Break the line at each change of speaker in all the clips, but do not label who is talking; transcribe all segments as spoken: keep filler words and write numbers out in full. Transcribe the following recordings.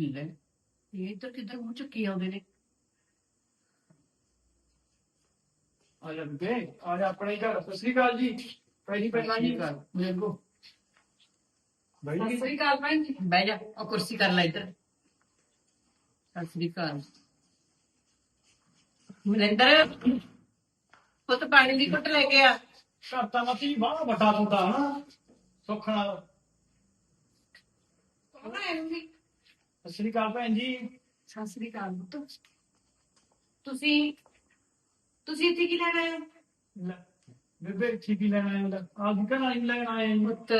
ਲੈ ਇਹ ਇੱਧਰ ਕਿੱਧਰ ਮੂੰਹ ਚੁੱਕੀ ਆਉਂਦੇ ਨੇ।
ਆ ਜਾ ਬੇ ਆ ਜਾ ਆਪਣੇ ਘਰ। ਸਤਿ ਸ੍ਰੀ ਅਕਾਲ ਜੀ। ਪਹਿਲੀ ਪਹਿਲਾਂ ਜੀ ਮੇਰੇ ਕੋ ਬਾਈ
ਸਤਿ ਸ੍ਰੀ ਅਕਾਲ ਭੈਣ ਜੀ।
ਬਹਿ ਜਾ, ਉਹ ਕੁਰਸੀ ਕਰ ਲੈ ਇੱਧਰ। ਸਤਿ ਸ੍ਰੀ ਅਕਾਲ ਮਨਿੰਦਰ, ਪੁੱਤ ਪਾਣੀ ਦੀ ਘੁੱਟ ਲੈ ਕੇ ਆ।
ਘਰ ਤਾਂ ਮਤੀ ਬਾਹਲਾ ਵੱਡਾ ਤੁਹਾਡਾ ਹਨਾ ਸੁੱਖ ਨਾਲ।
ਕੌਣ ਆਇਆ ਜੀ?
ਸਤਿ ਸ੍ਰੀ ਅਕਾਲ ਭੈਣ ਜੀ।
ਸਤਿ ਸ੍ਰੀ ਅਕਾਲ ਪੁੱਤ। ਤੁਸੀਂ ਤੁਸੀਂ ਇੱਥੇ ਕੀ ਲੈਣ ਆਏ ਹੋ?
ਲੈ, ਬੇਬੇ ਠੀਕ ਹੀ ਲੈਣ ਆਏ ਹੁੰਦਾ। ਆਪ ਵੀ ਘਰ ਨਹੀਂ ਲੈਣ ਆਏ ਜੀ।
ਪੁੱਤ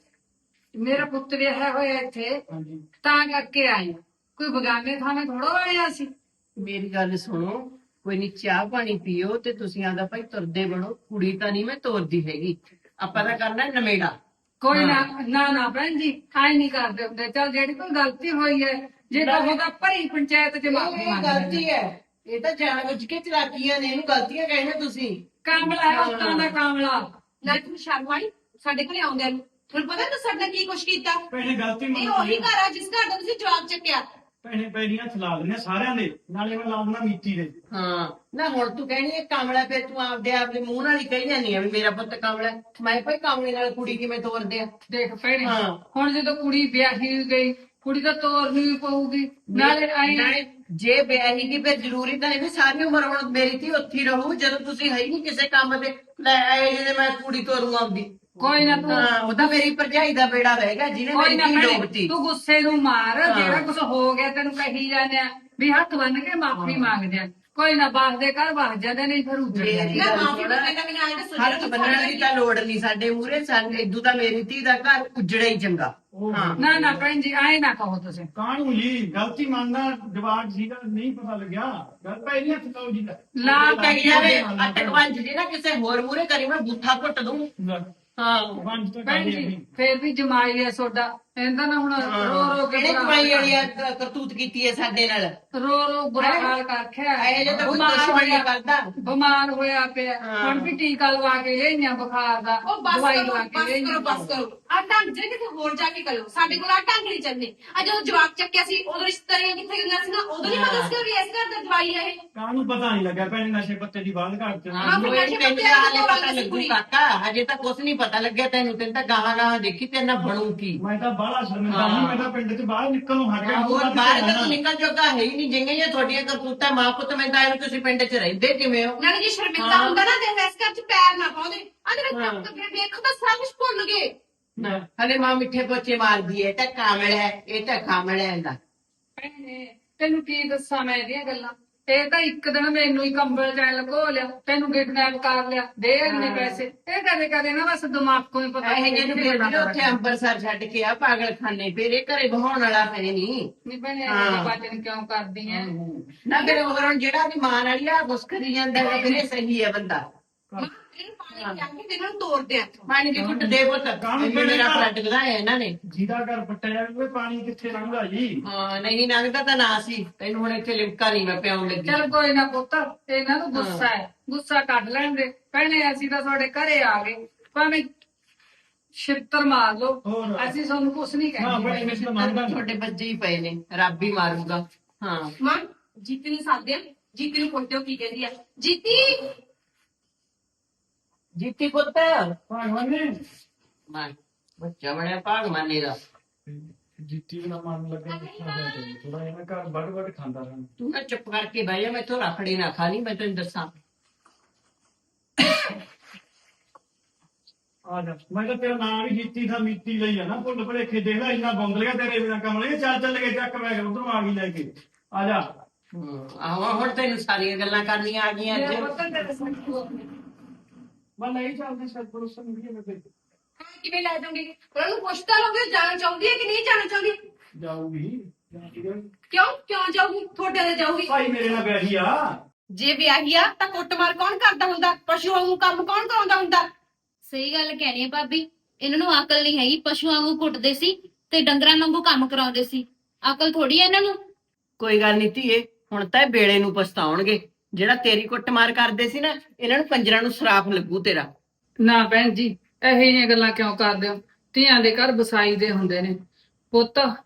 ਮੇਰਾ ਪੁੱਤ ਵਿਆਹਿਆ ਹੋਇਆ ਇੱਥੇ,
ਹਾਂਜੀ
ਤਾਂ ਕਰਕੇ ਆਏ ਹਾਂ। ਕੋਈ ਬਗਾਨੇ ਥਾਵੇਂ ਥੋੜਾ ਆਇਆ ਸੀ।
ਮੇਰੀ ਗੱਲ ਸੁਣੋ, ਕੋਈ ਨੀ ਚਾਹ ਪਾਣੀ ਪੀਓ ਤੇ ਤੁਸੀਂ ਆਦਾ ਭਾਈ ਤੁਰਦੇ ਬਣੋ। ਕੁੜੀ ਤਾਂ ਨਹੀਂ ਮੈਂ ਤੋਰਦੀ ਹੈਗੀ, ਆਪਾਂ ਤਾਂ ਕਰਨਾ ਨਵੇੜਾ।
ਕੋਈ ਨਾ ਨਾ ਨਾ ਭੈਣ ਜੀ, ਆਏ ਨਹੀਂ ਕਰਦੇ ਹੁੰਦੇ। ਚੱਲ ਜਿਹੜੀ ਕੋਈ ਗਲਤੀ ਹੋਈ ਹੈ, ਜੇ ਤਾਂ ਉਹਦਾ ਭਰੀ ਪੰਚਾਇਤ ਚ ਮਾਫੀ ਮੰਗ
ਗਲਤੀ ਹੈ, ਇਹ ਤਾਂ ਜਾਣ ਬੁੱਝ ਕੇ ਚਲਾਕੀਆਂ ਨੇ, ਇਹਨੂੰ ਗਲਤੀਆਂ ਕਹਿੰਦੇ ਤੁਸੀਂ।
ਕਾਮਲਾ ਹੈ ਉਤਾਂ ਦਾ ਕਾਮਲਾ।
ਲੈ ਤੂੰ ਸ਼ਰਮ ਆਈ ਸਾਡੇ ਘਰੇ ਆਉਂਦਿਆਂ ਨੂੰ। ਤੁਹਾਨੂੰ ਪਤਾ ਤੂੰ ਸਾਡੇ ਨਾਲ ਕੀ ਕੁਛ ਕੀਤਾ?
ਭੈਣੇ ਗਲਤੀ
ਇਹ
ਮੰਨ
ਉਹੀ
ਲਈ।
ਘਰ ਆ ਜਿਸ ਘਰ ਦਾ ਤੁਸੀਂ ਜਵਾਬ ਚੱਕਿਆ।
ਭੈਣੇ ਪੈਰੀਆਂ ਥਲਾ ਦਿੰਦੇ ਸਾਰਿਆਂ ਦੇ, ਨਾਲੇ ਮੈਂ ਲਾ ਦਿੰਦਾ ਮੀਤੀ ਦੇ।
ਹਾਂ ਨਾ ਹੁਣ ਤੂੰ ਕਹਿਣੀ ਹੈ ਕਾਮਲਾ, ਫਿਰ ਤੂੰ ਆਪਦੇ ਆਪ ਦੇ ਮੂੰਹ ਨਾਲ ਹੀ ਕਹੀ ਜਾਂਦੀ ਆ ਵੀ ਮੇਰਾ ਪੁੱਤ ਕਾਮਲਾ। ਮੈਂ ਭਾਈ ਕਾਮਲੇ ਨਾਲ ਕੁੜੀ ਕਿਵੇਂ ਤੋਰਦੇ ਆ?
ਦੇਖ ਭੈਣੇ,
ਹਾਂ।
ਹੁਣ ਜਦੋਂ ਕੁੜੀ ਵਿਆਹੀ ਗਈ, ਕੁੜੀ ਤਾਂ ਤੋਰਨੀ ਵੀ ਪਊਗੀ। ਨਾਲੇ ਆਈ
ਨਾਲੇ ਜੇ ਵਿਆਹੀ ਗਈ ਫਿਰ ਜ਼ਰੂਰੀ ਤਾਂ ਇਹ ਵੀ ਸਾਰੀ ਉਮਰ ਹੁਣ ਮੇਰੀ ਧੀ ਉੱਥੇ ਹੀ ਰਹੂ ਜਦੋਂ ਤੁਸੀਂ ਹੈ ਹੀ ਨਹੀਂ ਕਿਸੇ ਕੰਮ ਦੇ। ਲੈ ਆਏ ਜਿਹਦੇ ਮੈਂ ਕੁੜੀ ਤੋਰੂ ਆਉਂਦੀ।
ਕੋਈ ਨਾ ਤੂੰ
ਹਾਂ ਉਹ ਤਾਂ ਮੇਰੀ ਭਰਜਾਈ ਦਾ ਬੇੜਾ ਰਹੇਗਾ ਜਿਹਨੇ
ਕੋਈ ਨਾ
ਮੇਰੀ ਧੀ
ਭੈਣੇ,
ਡੋਬਤੀ।
ਤੂੰ ਗੁੱਸੇ ਨੂੰ ਮਾਰ।
ਹਾਂ।
ਜਿਹੜਾ ਕੁਝ ਹੋ ਗਿਆ ਤੈਨੂੰ ਕਹੀ ਜਾਂਦੇ ਆ ਵੀ ਹੱਥ ਬੰਨ ਕੇ ਮਾਫੀ ਮੰਗਦੇ ਆ। ਕੋਈ ਨਾ ਬਾਸਦੇ ਘਰ ਵਸ ਜਾਂਦੇ, ਨਹੀਂ ਫਿਰ ਉੱਜੜ
ਮੇਰੀ
ਜਾਂਦੇ।
ਨਾ
ਗੱਲ
ਮਾਫੀ
ਸੁਣ।
ਮੰਗਣਾ ਮੈਨੂੰ ਆਏ ਦੱਸੋ
ਹੱਥ ਬੰਨਣ ਦੀ ਤਾਂ ਲੋੜ ਨਹੀਂ ਸਾਡੇ ਮੂਹਰੇ। ਸਾਨੂੰ ਇਦੋਂ ਤਾਂ ਮੇਰੀ ਧੀ ਦਾ ਘਰ ਉਜੜਿਆ ਹੀ ਚੰਗਾ। ਹਾਂ
ਨਾ ਨਾ ਭੈਣ ਜੀ, ਆਏ ਨਾ ਕਹੋ ਤੁਸੀਂ।
ਕਾਹਨੂੰ ਜੀ ਗਲਤੀ ਮੰਨਦਾ ਜਵਾਬ ਸੀਗਾ, ਨਹੀਂ ਪਤਾ ਲੱਗਿਆ। ਗੱਲ ਪੈਰੀਆਂ ਥਲਾਓ ਜੀ ਦਾ
ਲਾ
ਕਹੀ ਜਾਵੇ ਅਟਕ ਪੰਜ ਜੀ ਨਾ ਕਿਸੇ ਹੋਰ ਮੂਹਰੇ ਕਰੀ ਮੈਂ ਬੂਥਾ ਘੁੱਟ ਦੂੰ। ਹਾਂ
ਪੰਜ ਤਾਂ
ਭੈਣ
ਗੱਲ
ਜੀ
ਹੀ
ਫੇਰ ਵੀ ਜਮਾਈ ਹੈ ਸੋਡਾ। ਇਹਦਾ ਨਾ ਹੁਣ ਰੋ ਰੋ ਕੇ
ਕਿਹੜੇ
ਬੁਰਾ
ਕਮਾਈ
ਹਾਲ
ਵਾਲੀ ਆ ਕ- ਕਰਤੂਤ ਕੀਤੀ ਹੈ ਸਾਡੇ ਨਾਲ?
ਰੋ ਰੋ ਬੁਰਾ ਹਾਲ ਕਰਖਿਆ।
ਇਹ ਜੇ ਤਾਂ ਕੋਈ
ਬਿਮਾਰ
ਦੁਸ਼ਮਣ ਨਹੀਂ
ਹੋਇਆ-
ਕਰਦਾ।
ਬਿਮਾਰ ਹੋਇਆ ਪਿਆ।
ਹਾਂ।
ਹੁਣ ਵੀ ਟੀਕਾ ਲਵਾ ਕੇ ਲਿਆਈਆਂ ਬੁਖਾਰ ਦਾ।
ਉਹ ਬਸ
ਦਵਾਈ
ਕਰੋ
ਲਵਾ
ਬਸ
ਕੇ
ਕਰੋ
ਲਿਆਈਆਂ।
ਬਸ ਕਰੋ। ਆ ਢੰਗ ਜੇ ਕਿਤੇ ਹੋਰ ਜਾ ਕੇ ਕਰੋ। ਸਾਡੇ ਕੋਲ ਆ ਢੰਗ ਨਹੀਂ ਚੱਲਨੇ। ਆ ਜਦੋਂ ਜਵਾਬ ਚੱਕਿਆ ਸੀ ਉਦੋਂ ਰਿਸ਼ਤੇਦਾਰੀਆਂ ਕਿੱਥੇ ਗਈਆਂ ਸੀ ਨਾ, ਉਦੋਂ ਨਹੀਂ ਪਤਾ ਸੀ ਵੀ ਇਸ ਘਰ ਦਾ ਦਵਾਈ ਹੈ ਇਹ।
ਕਾਹਨੂੰ ਪਤਾ ਨਹੀਂ ਲੱਗਿਆ ਭੈਣੇ ਨਸ਼ੇ ਪੱਤੇ ਦੀ ਬਾਤ ਘਰ ਚ।
ਹਾਂ
ਫਿਰ
ਕੋਈ
ਨਸ਼ੇ
ਤੈਨੂੰ
ਪੱਤੇ
ਤਾਂ
ਵਾਲੀ
ਹਾਲੇ
ਤੋਂ
ਪਤਾ
ਗੱਲ
ਲੱਗੂ
ਕੁੜੀ।
ਕਾਕਾ, ਹਜੇ ਤਾਂ ਕੁਛ ਨਹੀਂ ਪਤਾ ਲੱਗਿਆ ਤੈਨੂੰ। ਤੈਨੂੰ ਤਾਂ ਗਾਹਾਂ ਗਾਹਾਂ ਦੇਖੀ ਤੇ ਨਾ ਬਣੂ ਕੀ।
ਮੈਂ ਤਾਂ ਬਾਹਲਾ ਸ਼ਰਮਿੰਦਾ ਨਹੀਂ। ਮੈਂ ਤਾਂ ਪਿੰਡ ਚ ਬਾਹਰ ਨਿਕਲਣੋਂ ਹਟ ਗਿਆ।
ਹੋਰ ਬਾਹਰ ਤਾਂ ਤੂੰ ਨਿਕਲ ਜੋਗਾ ਹੈ ਹੀ ਨਹੀਂ। ਜਿੰਗੇ ਇਹ ਤੁਹਾਡੀਆਂ ਕਰਤੂਤਾਂ ਮਾਂ ਪੁੱਤ ਮੈਂ ਤਾਂ ਐਵੇਂ ਤੁਸੀਂ ਪਿੰਡ ਚ ਰਹਿੰਦੇ ਕਿਵੇਂ ਹੋ?
ਨਾਲੇ ਜੇ ਸ਼ਰਮਿੰਦਾ
ਹਾਂ।
ਹੁੰਦਾ ਨਾ ਤੇ ਇਸ ਘਰ ਚ ਪੈਰ ਨਾ ਪਾਉਂਦੇ। ਆ
ਹਾਂ।
ਜਿਹੜੇ ਵੇਖੋ ਤਾਂ ਸਭ ਕੁਝ ਭੁੱਲ ਗਏ।
ਨਾ, ਹਲੇ ਮਾਂ ਮਿੱਠੇ ਪੋਚੇ ਮਾਰਦੀ ਹੈ। ਇਹ ਤਾਂ ਕਾਮਲ ਹੈ, ਇਹ ਤਾਂ ਕਾਮਲ ਹੈ ਇਹਦਾ।
ਭੈਣੇ, ਤੈਨੂੰ ਕੀ ਦੱਸਾਂ ਮੈਂ ਇਹਦੀਆਂ ਗੱਲਾਂ। ਇਹ ਤਾਂ ਇੱਕ ਦਿਨ ਮੈਨੂੰ ਹੀ ਕੰਬਲ ਚ ਲਗੋ ਲਿਆ, ਤੈਨੂੰ ਕਿਡਨੈਪ ਕਰ ਲਿਆ, ਦੇ ਇੰਨੇ ਪੈਸੇ। ਇਹ ਕਦੇ ਕਦੇ ਨਾ ਬਸ ਦਿਮਾਗ ਤੋਂ ਹੀ ਪਤਾ
ਇਹ ਜਿਹਨੂੰ ਫਿਰ ਵੀ ਉੱਥੇ ਅੰਬਰਸਰ ਛੱਡ ਕੇ ਆ ਪਾਗਲਖਾਨੇ, ਫਿਰ ਇਹ ਘਰੇ ਬਹਾਉਣ ਵਾਲਾ ਹੈ ਨਹੀਂ।
ਨਹੀਂ ਭੈਣੇ,
ਹਾਂ।
ਇਹ ਬਾਤਨ ਕਿਉਂ ਕਰਦੀ ਐ?
ਨਾ ਫਿਰ ਹੋਰ ਹੁਣ ਜਿਹੜਾ ਦੀ ਮਾਂ ਵਾਲੀ ਆ ਗੁੱਸ ਕਰੀ ਜਾਂਦਾ ਹੈ, ਫਿਰ ਇਹ ਸਹੀ ਹੈ ਬੰਦਾ।
ਮਾਂ ਇਹਨੂੰ ਪਾਣੀ ਲਿਆ ਕੇ ਤੇ ਇਹਨਾਂ ਨੂੰ ਤੋੜਦੇ ਆ ਇੱਥੋਂ।
ਪਾਣੀ ਦੀ ਘੁੱਟ ਦੇ ਪੁੱਤ। ਇਹਨੇ ਮੇਰਾ ਬਲੱਡ ਵਧਾਇਆ ਇਹਨਾਂ ਨੇ।
ਜਿਹਦਾ ਘਰ ਪੱਟਿਆ ਜਾਵੇ ਪਾਣੀ ਕਿੱਥੇ ਲੰਘਦਾ ਜੀ।
ਹਾਂ ਨਹੀਂ ਲੰਘਦਾ ਤਾਂ ਨਾ ਸੀ। ਤੈਨੂੰ ਹੁਣ ਇੱਥੇ ਲਿਮਕਾ ਨਹੀਂ ਮੈਂ ਪਿਆਉਣ ਲੱਗੀ।
ਚੱਲ ਕੋਈ ਨਾ ਪੁੱਤ, ਇਹਨਾਂ ਨੂੰ ਗੁੱਸਾ ਹੈ, ਗੁੱਸਾ ਕੱਢ ਲੈਣ ਦੇ। ਭੈਣੇ ਅਸੀਂ ਤਾਂ ਤੁਹਾਡੇ ਘਰੇ ਆ ਗਏ, ਭਾਵੇਂ ਛਿੱਤਰ ਮਾਰ ਲਓ,
ਹੋਰ।
ਅਸੀਂ ਤੁਹਾਨੂੰ ਕੁਛ ਨਹੀਂ
ਹਾਂ
ਕਹਿੰਦੇ।
ਬੜੀ ਮਿਸਲ ਮੰਨਦਾ
ਤੁਹਾਡੇ ਬੱਚੇ ਹੀ ਪਏ ਨੇ, ਰੱਬ ਹੀ ਮਾਰੂਗਾ। ਹਾਂ
ਮਾਂ ਜੀਤੀ ਨੂੰ ਸਾਧਿਆ, ਜੀਤੀ ਨੂੰ ਪੁੱਛਿਓ ਕੀ ਕਹਿੰਦੀ ਆ। ਜੀਤੀ
ਜੀਤੀ ਪੁੱਤ
ਭਗਵਾਨ ਨੇ
ਮਾਂ ਬੱਚਾ ਬਣਿਆ ਭਾਗਮਾਨੇ ਦਾ।
ਜਿੱਤੀ ਨਾ ਮਨ ਲੱਗਾ ਥੋੜਾ ਜਿਹਾ ਘਰ ਵੱਡ ਵੱਡ ਖਾਂਦਾ ਰਹਿਣਾ।
ਤੂੰ ਨਾ ਚੁੱਪ ਕਰਕੇ ਬਹਿ ਜਾ, ਮੈਥੋਂ ਰਖੜੀ ਨਾ ਖਾ ਲਈ। ਮੈਂ ਤੈਨੂੰ ਦੱਸਾਂ
ਆ ਜਾ। ਮੈਂ ਤਾਂ ਤੇਰਾ ਨਾਮ ਵੀ ਜੀਤੀ ਦਾ ਮੀਤੀ ਲਈ ਆ ਨਾ। ਭੁੱਲ ਭੁਲੇਖੇ ਦੇਖ ਲੈ ਇੰਨਾ ਬੌਂਦ ਲਿਆ ਤੇਰੇ ਬਿਨਾ ਕਮਲੇ। ਚੱਲ ਚੱਲ ਕੇ ਚੱਕ ਮੈਂ ਉਧਰੋਂ ਆ ਗਈ ਲੈ ਕੇ। ਆ ਜਾ।
ਹਮ, ਆਹੋ ਹੁਣ ਤੈਨੂੰ ਸਾਰੀਆਂ ਗੱਲਾਂ ਕਰਨੀਆਂ ਆ ਗਈਆਂ
ਮੇਰਾ
ਅੱਜ।
ਪੁੱਤ ਤੇਰੇ ਸਾਹਮਣੇ
ਮੈਂ ਨਹੀਂ ਚੱਲਦੀ ਸਰ ਪਰੋਸਾ ਨਹੀਂ ਮੈਂ ਤੇ
ਹਾਂ ਕਿਵੇਂ ਲੈ ਜਾਓਗੇ? ਉਹਨਾਂ ਨੂੰ ਪੁੱਛਦਾ ਲੋਗੇ ਜਾਣਾ ਚਾਹੁੰਦੀ ਹੈ ਕਿ ਨਹੀਂ ਜਾਣਾ ਚਾਹੁੰਦੀ?
ਜਾਊਗੀ।
ਕਿਉਂ ਕਿਉਂ ਜਾਊਗੀ? ਤੁਹਾਡੇ ਨਾਲ ਜਾਊਗੀ।
ਭਾਈ ਮੇਰੇ ਨਾਲ ਵਿਆਹੀ ਆ।
ਜੇ ਵਿਆਹੀ ਆ ਤਾਂ ਕੁੱਟਮਾਰ ਕੌਣ ਕਰਦਾ ਹੁੰਦਾ? ਪਸ਼ੂ ਵਾਂਗੂ ਕੰਮ ਕੌਣ ਕਰਾਉਂਦਾ ਹੁੰਦਾ?
ਸਹੀ ਗੱਲ ਕਹਿਣੀ ਹੈ ਭਾਬੀ। ਇਹਨਾਂ ਨੂੰ ਅਕਲ ਨਹੀਂ ਹੈਗੀ। ਪਸ਼ੂਆਂ ਵਾਂਗੂ ਕੁੱਟਦੇ ਸੀ ਤੇ ਡੰਗਰਾਂ ਵਾਂਗੂ ਕੰਮ ਕਰਾਉਂਦੇ ਸੀ। ਅਕਲ ਥੋੜੀ ਹੈ ਇਹਨਾਂ ਨੂੰ।
ਕੋਈ ਗੱਲ ਨਹੀਂ ਧੀਏ, ਹੁਣ ਤਾਂ ਇਹ ਵੇਲੇ ਨੂੰ ਪਛਤਾਉਣਗੇ। ਜਿਹੜਾ ਤੇਰੀ ਕੁੱਟਮਾਰ ਕਰਦੇ ਸੀ ਨਾ, ਇਹਨਾਂ ਨੂੰ ਪੰਜਰਾਂ ਨੂੰ ਸਰਾਫ ਲੱਗੂ ਤੇਰਾ।
ਨਾ ਭੈਣ ਜੀ, ਇਹੋ ਜਿਹੀਆਂ ਗੱਲਾਂ ਕਿਉਂ ਕਰਦੇ ਹੋ? ਧੀਆਂ ਦੇ ਘਰ ਵਸਾਈ ਦੇ ਹੁੰਦੇ ਨੇ ਪੁੱਤ।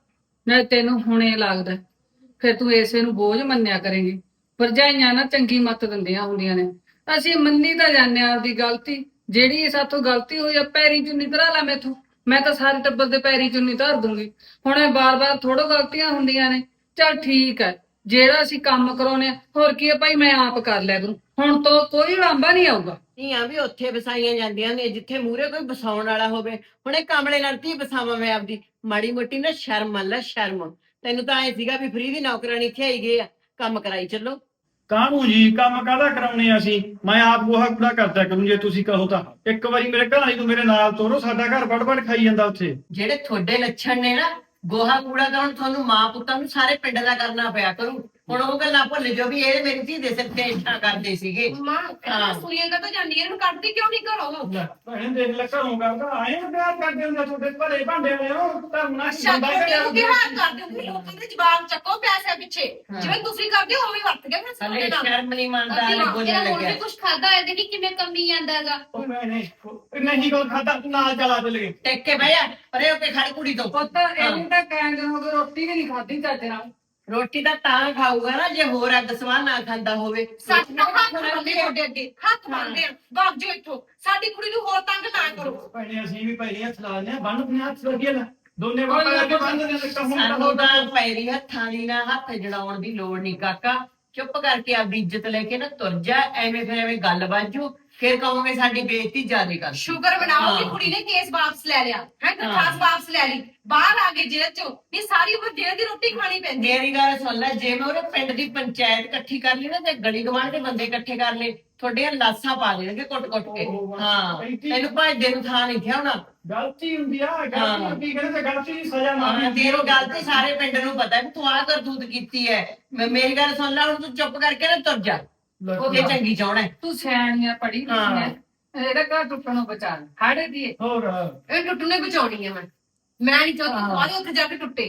ਨਾ ਤੈਨੂੰ ਹੁਣੇ ਲੱਗਦਾ ਫਿਰ ਤੂੰ ਇਸੇ ਨੂੰ ਬੋਝ ਮੰਨਿਆ ਕਰੇਂਗੀ। ਭਰਜਾਈਆਂ ਨਾ ਚੰਗੀ ਮੱਤ ਦਿੰਦੀਆਂ ਹੁੰਦੀਆਂ ਨੇ। ਅਸੀਂ ਮੰਨੀ ਤਾਂ ਜਾਂਦੇ ਆ ਆਪਦੀ ਗਲਤੀ, ਜਿਹੜੀ ਸਾਥੋਂ ਗਲਤੀ ਹੋਈ ਆ ਪੈਰੀ ਚੁੰਨੀ ਧਰਾ ਲਾ ਮੈਥੋਂ, ਮੈਂ ਤਾਂ ਸਾਰੇ ਟੱਬਰ ਦੇ ਪੈਰੀ ਚੁੰਨੀ ਧਰ ਦੂੰਗੀ। ਹੁਣ ਇਹ ਬਾਰ-ਬਾਰ ਥੋੜੋ ਗਲਤੀਆਂ ਹੁੰਦੀਆਂ ਨੇ। ਚੱਲ ਠੀਕ ਹੈ, ਜਿਹੜਾ ਅਸੀਂ ਕੰਮ ਕਰਾਉਨੇ ਆ ਹੋਰ ਕੀ ਹੈ ਭਾਈ, ਮੈਂ ਆਪ ਕਰ ਲਿਆ ਕਰੂੰ। ਹੁਣ ਤੋਂ ਕੋਈ ਲਾਂਭਾ ਨਹੀਂ ਆਊਗਾ।
ਧੀਆਂ ਵੀ ਉੱਥੇ ਵਸਾਈਆਂ ਜਾਂਦੀਆਂ ਨੇ ਜਿੱਥੇ ਮੂਹਰੇ ਕੋਈ ਵਸਾਉਣ ਵਾਲਾ ਹੋਵੇ। ਹੁਣ ਇਹ ਕਾਮਲੇ ਨਾਲ ਧੀ ਵਸਾਵਾਂ ਮੈਂ ਆਪਦੀ? ਮਾੜੀ ਮੋਟੀ ਨਾ ਸ਼ਰਮ ਮੰਨ ਲੈ, ਸ਼ਰਮ। ਤੈਨੂੰ ਤਾਂ ਐ ਸੀਗਾ ਵੀ ਫ੍ਰੀ ਦੀ ਨੌਕਰਾਨੀ ਇੱਥੇ ਆਈ ਗਏ ਆ, ਕੰਮ ਕਰਾਈ ਚੱਲੋ।
ਕਾਹਨੂੰ ਜੀ, ਕੰਮ ਕਾਹਦਾ ਕਰਾਉਣੇ ਆ ਅਸੀਂ? ਮੈਂ ਆਪ ਗੋਹਾ ਕੂੜਾ ਕਰਦਾ ਕਰੂੰ ਜੇ ਤੁਸੀਂ ਕਹੋ ਤਾਂ। ਇੱਕ ਵਾਰੀ ਮੇਰੇ ਘਰ ਵਾਲੀ ਨੂੰ ਮੇਰੇ ਨਾਲ ਤੋਰੋ, ਸਾਡਾ ਘਰ ਵੜ ਵੜ ਖਾਈ ਜਾਂਦਾ ਉੱਥੇ।
ਜਿਹੜੇ ਤੁਹਾਡੇ ਲੱਛਣ ਨੇ ਨਾ, ਗੋਹਾ ਕੂੜਾ ਤਾਂ ਹੁਣ ਤੁਹਾਨੂੰ ਮਾਂ ਪੁੱਤਾਂ ਨੂੰ ਸਾਰੇ ਪਿੰਡ ਦਾ ਕਰਨਾ ਪਿਆ ਕਰੂ। ਹੁਣ ਉਹ ਗੱਲਾਂ ਭੁੱਲ ਜਾਓ ਵੀ ਇਹ ਮੇਰੀ ਧੀ ਦੇ ਸਿਰ ਤੇ ਇੱਛਾ ਕਰਦੇ ਸੀਗੇ।
ਮਾਂ ਇਹਨਾਂ ਸੁਣੀਆਂ ਕਾ ਤਾਂ ਜਾਂਦੀ ਇਹਨੂੰ ਕੱਢਦੀ ਕਿਉਂ ਨਹੀਂ ਘਰੋਂ?
ਲੈ ਭੈਣ ਦੇਖ ਲੈ, ਘਰੋਂ ਕਰਦਾ ਆਏ ਨਾ ਪਿਆਰ ਕਰਦੇ ਹੁੰਦੇ ਤੁਹਾਡੇ ਭਲੇ ਭਾਂਡੇ ਨੇ ਉਹ ਤਾਂ ਨਾ
ਅੱਛਾ ਤੁਹਾਡੇ ਨੂੰ ਕੀ ਹਾਲ ਕਰਦੇ ਹੋ? ਲੋਕਾਂ ਦੇ ਜਵਾਬ ਚੱਕੋ ਪੈਸੇ ਪਿੱਛੇ, ਜਿਵੇਂ ਤੁਸੀਂ ਕਰਦੇ ਹੋ ਉਵੇਂ ਵਰਤ ਗਏ ਫਿਰ
ਹਲੇ
ਸਾਡੇ ਨਾਲ।
ਸ਼ਰਮ ਨਹੀਂ ਮੰਨਦਾ, ਹਲੇ
ਇਹਦਾ
ਬੋਲਣ
ਹੁਣ
ਲੱਗਿਆ।
ਵੀ ਕੁਝ ਖਾਦਾ ਹੋਇਆ ਦੇਖੀ ਕਿਵੇਂ ਕੰਮੀ ਜਾਂਦਾ ਹੈਗਾ।
ਉਹ ਮੈਂ ਨਹੀਂ ਨਹੀਂ ਕੋਲ ਖਾਦਾ, ਨਾਲ ਚਲਾ ਚੱਲ ਗਏ।
ਟੇਕ ਕੇ ਬਹਿ ਜਾ ਪਰੇ ਹੋ ਕੇ ਖੜ ਕੁੜੀ ਤੋਂ।
ਪੁੱਤ ਇਹਨੂੰ ਤਾਂ ਕਹਿੰਦੇ ਹੋ ਕਿ ਰੋਟੀ ਵੀ ਨਹੀਂ ਖਾਧੀ ਚੱਜ ਨਾਲ।
ਰੋਟੀ ਤਾਂ ਤਾਂ ਖਾਊਗਾ ਨਾ ਜੇ ਹੋਰ ਅੱਗ ਸਵਾਹ ਨਾ ਖਾਂਦਾ ਹੋਵੇ।
ਸਾਡੇ ਨਾਲ ਹੱਥ ਬੰਨ੍ਹਦੇ ਤੁਹਾਡੇ ਅੱਗੇ, ਹੱਥ ਬੰਨ੍ਹਦੇ ਆ। ਵਗ ਜਾਓ ਇੱਥੋਂ, ਸਾਡੀ ਕੁੜੀ ਨੂੰ ਹੋਰ ਤੰਗ ਨਾ ਕਰੋ।
ਭੈਣੇ ਅਸੀਂ ਵੀ ਪੈਰੀ ਹੱਥ ਲਾ ਲੈਂਦੇ ਆ, ਬੰਨ ਆਪਣੇ ਹੱਥ ਵਧੀਆ ਲੈ ਦੋਨੇ ਬਾਪਾ ਕਰਕੇ ਬੰਨ ਦਿੰਦੇ ਨੇ। ਕੰਮ
ਸਾਨੂੰ ਤਾਂ ਪੈਰੀ ਹੱਥਾਂ ਦੀ ਨਾ ਹੱਥ ਜੜਾਉਣ ਦੀ ਲੋੜ ਨਹੀਂ ਕਾਕਾ। ਚੁੱਪ ਕਰਕੇ ਆਪਦੀ ਇੱਜ਼ਤ ਲੈ ਕੇ ਨਾ ਤੁਰ ਜਾ। ਐਵੇਂ ਫਿਰ ਐਵੇਂ ਗੱਲ ਬਾਜੂ, ਫਿਰ ਕਹੋਗੇ ਸਾਡੀ ਬੇਇੱਜ਼ਤੀ ਜ਼ਿਆਦਾ ਕਰ।
ਸ਼ੁਕਰ ਮਨਾਓ ਕਿ
ਹਾਂ।
ਕੁੜੀ ਨੇ ਕੇਸ ਵਾਪਸ ਲੈ ਲਿਆ ਹੈ,
ਹਾਂ।
ਦਰਖਾਸਤ ਵਾਪਸ ਲੈ ਲਈ, ਬਾਹਰ ਆ ਗਏ ਜੇਲ੍ਹ ਚੋਂ। ਨਹੀਂ ਸਾਰੀ ਉਮਰ ਜੇਲ੍ਹ ਦੀ ਰੋਟੀ ਖਾਣੀ ਪੈਂਦੀ।
ਮੇਰੀ ਗੱਲ ਸੁਣ ਲੈ, ਜੇ ਮੈਂ ਉਹਦੇ ਪਿੰਡ ਦੀ ਪੰਚਾਇਤ ਇਕੱਠੀ ਕਰ ਲਈ ਨਾ ਤੇ ਗਲੀ ਗਵਾਂਢ ਦੇ ਬੰਦੇ ਇਕੱਠੇ ਕਰ ਲਏ, ਤੁਹਾਡੀਆਂ ਲਾਸਾਂ ਪਾ ਦੇਣਗੇ ਕੁੱਟ-ਕੁੱਟ ਕੇ। ਹਾਂ, ਤੈਨੂੰ ਭੱਜਦੇ ਨੂੰ ਥਾਂ ਨਹੀਂ ਥਿਆ ਹੋਣਾ।
ਗਲਤੀ ਹੁੰਦੀ ਆ,
ਹਾਂ।
ਗਲਤੀ ਹੁੰਦੀ ਕਹਿੰਦੇ ਤੇ ਗਲਤੀ ਦੀ ਸਜ਼ਾ
ਹਾਂ,
ਮਾਰਨੀ।
ਤੇਰੀ ਗੱਲ ਤੇ ਸਾਰੇ ਪਿੰਡ ਨੂੰ ਪਤਾ ਵੀ ਤੂੰ ਆਹ ਕਰਤੂਤ ਕੀਤੀ ਹੈ। ਮੈਂ ਮੇਰੀ ਗੱਲ ਸੁਣ ਲੈ, ਹੁਣ ਤੂੰ ਚੁੱਪ ਕਰਕੇ ਨਾ ਤੁਰ ਜਾ। ਜੇ ਚੰਗੀ ਚਾਹਣਾ ਹੈ।
ਤੂੰ ਸਿਆਣੀਆਂ ਪੜੀ ਲਿਖੀ ਹੈ, ਇਹਦਾ ਘਰ ਟੁੱਟਣੋਂ ਬਚਾ ਲੈ। ਹਾੜੇ ਦੀ
ਹੋਰ
ਇਹ ਟੁੱਟਣੇ ਬਚਾਉਣੀ ਆ ਮੈਂ ਮੈਂ ਨਹੀਂ ਚਾਹਤੀ ਤੁਹਾਡੇ ਉੱਥੇ ਜਾ ਕੇ ਟੁੱਟੇ।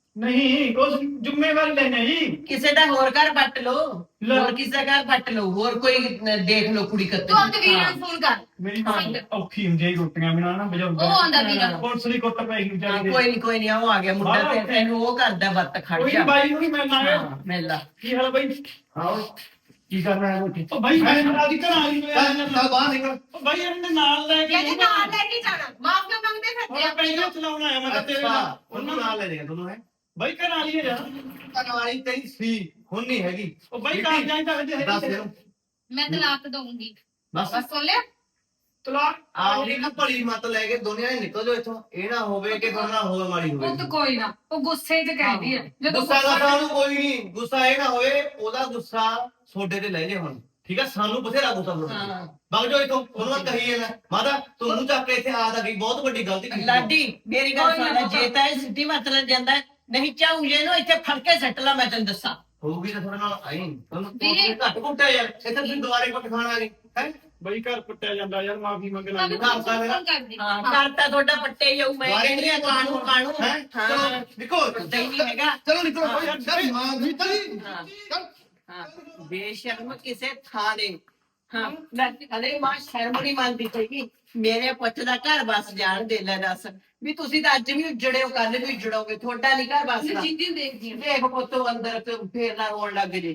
ਨਹੀਂ ਕੁਛ ਜ਼ਿੰਮੇਵਾਰੀ ਲੈਣੇ ਜੀ।
ਕਿਸੇ ਦਾ ਹੋਰ ਘਰ ਪੱਟ ਲੋ,
ਲੈ।
ਹੋਰ ਕਿਸੇ ਦਾ ਘਰ ਪੱਟ ਲੋ, ਹੋਰ ਕੋਈ ਨ- ਦੇਖ ਲੋ ਕੁੜੀ ਕੱਤ।
ਤੂੰ ਆਪਣੇ ਵੀਰ ਨੂੰ ਫੋਨ ਕਰ।
ਮੇਰੀ ਮਾਂ ਔਖੀ ਹੁੰਦੀ ਹੈ ਜੀ ਰੋਟੀਆਂ ਬਿਨਾਂ ਨਾ ਬਜਾਉਂਦਾ।
ਉਹ ਆਉਂਦਾ ਵੀਰਾ।
ਪੁਲਿਸ ਦੀ ਕੁੱਟ ਪੈ ਗਈ
ਹਾਂ,
ਵਿਚਾਰੀ ਦੇ।
ਕੋਈ ਨਹੀਂ ਕੋਈ ਨਹੀਂ, ਉਹ ਆ ਗਿਆ ਮੁੰਡਾ
ਬਾਹਰ
ਤੇ
ਉੱਥੇ।
ਤੈਨੂੰ ਉਹ ਕਰਦਾ ਬੱਤ ਖੜ
ਕੋਈ
ਜਾ।
ਨੀ, ਬਾਈ ਨੂੰ ਵੀ ਮੈਂ ਲਾਇਆ।
ਹਾਂ, ਮਿਲ ਲਾ।
ਕੀ ਹਾਲ ਬਾਈ?
ਹਾਂ ਕੀ ਕਰਨਾ ਹੈ ਉੱਥੇ?
ਉਹ ਬਾਈ ਮੈਂ ਆਦੀ ਘਰ ਆ ਗਈ
ਚੱਲ ਚੱਲ ਬਾਹਰ ਨਿਕਲ।
ਉਹ ਬਾਈ ਇਹਨੇ ਨਾਲ ਲੈ ਕੇ
ਕਹਿੰਦੇ ਨਾਲ ਲੈ ਕੇ ਜਾਣਾ, ਮਾਫੀਆਂ ਮੰਗਦੇ ਫਿਰਦੇ
ਉਹ
ਆ।
ਪਹਿਲਾਂ ਚਲਾਉਣਾ ਆਇਆ ਮੈਂ ਤਾਂ ਤੇਰੇ ਨਾਲ।
ਅੱਛਾ ਉਹਨੂੰ ਨਾਲ ਲੈ ਜਾਏਗਾ ਤੁਹਾਨੂੰ ਹੈ।
ਬਾਈ ਘਰ ਆ ਲਈ ਯਾਰ।
ਕਹਾਣੀ ਤੇਰੀ ਸੀ ਹੁਣ ਨਹੀਂ ਹੈਗੀ।
ਉਹ ਬਾਈ ਘਰ ਜਾਈ ਤਾਂ ਹਜੇ
ਦੱਸ
ਹੈ।
ਦੇ
ਮੈਂ ਤਲਾਕ ਦਊਂਗੀ।
ਬਸ
ਬਸ ਸੁਣ ਲਿਆ।
ਤਲਾਕ
ਆਪਣੀ ਨਾ ਭਲੀ ਮਤ ਲੈ ਕੇ ਦੁਨੀਆ ਹੀ ਨਿਕਲ ਜਾਓ ਇੱਥੋਂ। ਇਹ ਨਾ ਹੋਵੇ ਕਿ ਤੁਹਾਡਾ ਹੋਰ ਮਾੜੀ ਹੋਵੇ।
ਪੁੱਤ ਕੋਈ ਨਾ, ਉਹ ਗੁੱਸੇ 'ਚ ਕਹਿੰਦੀ ਹੈ। ਜਦੋਂ
ਗੁੱਸਾ ਦਾ ਸਾਨੂੰ ਕੋਈ ਨਹੀਂ, ਗੁੱਸਾ ਇਹ ਨਾ ਹੋਏ ਉਹਦਾ ਗੁੱਸਾ ਤੁਹਾਡੇ ਤੇ ਲੈ ਜੇ ਹੁਣ। ਠੀਕ ਹੈ, ਸਾਨੂੰ ਬਥੇਰਾ ਗੁੱਸਾ
ਹਾਂ।
ਬੁਲਾ ਬਗ ਜਾਓ ਇੱਥੋਂ। ਉਹਨੂੰ ਮੈਂ ਕਹੀ ਹੈ ਨਾ ਮਾਤਾ ਤੂੰ ਮੂੰਹ ਚੱਕ ਕੇ ਇੱਥੇ ਆ ਤਾਂ ਗਈ, ਬਹੁਤ ਵੱਡੀ ਗਲਤੀ ਕੀਤੀ।
ਲਾਡੀ ਮੇਰੀ ਗੱਲ ਸੁਣ ਲੈ, ਜੇ ਤਾਂ ਇਹ ਸਿੱਧੀ ਮਤਲਬ ਜਾਂਦਾ ਹੈ, ਨਹੀਂ ਚਾਹੂ ਜੇ ਇਹਨੂੰ ਇੱਥੇ ਫੜ ਕੇ ਸੱਟ ਲਾ, ਮੈਂ ਤੈਨੂੰ ਦੱਸਾਂ।
ਹੋਊਗੀ ਤਾਂ ਤੁਹਾਡੇ ਨਾਲ ਆਈ ਤੁਹਾਨੂੰ
ਵੀਰੇ।
ਘੱਟ ਕੁੱਟਿਆ ਯਾਰ। ਇੱਥੇ ਤੁਸੀਂ ਦੁਬਾਰੇ ਕੁੱਟ ਖਾਣ ਆ ਗਏ ਹੈ।
ਬਾਈ ਘਰ ਪੱਟਿਆ ਜਾਂਦਾ ਯਾਰ, ਮਾਫੀ ਮੰਗ ਲੈ।
ਭਾਬੀ
ਘਰ ਦਾ ਮੇਰਾ
ਫੋਨ ਕਰ ਦੇ।
ਹਾਂ, ਕਰਤਾ ਤੁਹਾਡਾ ਪੱਟੇ ਜਾਊ। ਮੈਂ ਕਹਿੰਦੀ ਆ ਕਾਣੂ ਕਾਣੂ।
ਹੈ
ਹਾਂ,
ਚਲੋ ਨਿਕਲੋ।
ਪਤਾ ਹੀ ਨਹੀਂ ਹੈਗਾ।
ਚਲੋ ਨਿਕਲੋ
ਹਾਂ।
ਯਾਰ। ਚੱਲ ਮਾਂ ਦੀ ਤਲੀ
ਹਾਂ।
ਚੱਲ।
ਹਾਂ, ਬੇਸ਼ਰਮ ਕਿਸੇ ਥਾਂ ਦੇ। ਹਾਂ, ਮੈਂ ਹਲੇ ਮਾਂ ਸ਼ਰਮ ਨਹੀਂ ਮੰਨਦੀ ਪਈ। ਮੇਰੇ ਪੁੱਤ ਦਾ ਘਰ ਬਸ ਜਾਣ ਦੇ ਲੈ ਦੱਸ ਵੀ ਤੁਸੀਂ ਤਾਂ ਅੱਜ ਵੀ ਉਜੜੇ ਹੋ, ਕੱਲ ਵੀ ਉਜੜੋਗੇ। ਤੁਹਾਡਾ ਨਹੀਂ ਘਰ ਬਸਦਾ।
ਜਿੰਦੀ ਨੂੰ ਦੇਖਦੀ ਆ।
ਦੇਖ ਪੁੱਤੋ ਅੰਦਰ ਤੇ ਫੇਰ ਨਾ ਰੋਣ ਲੱਗ ਜੇ।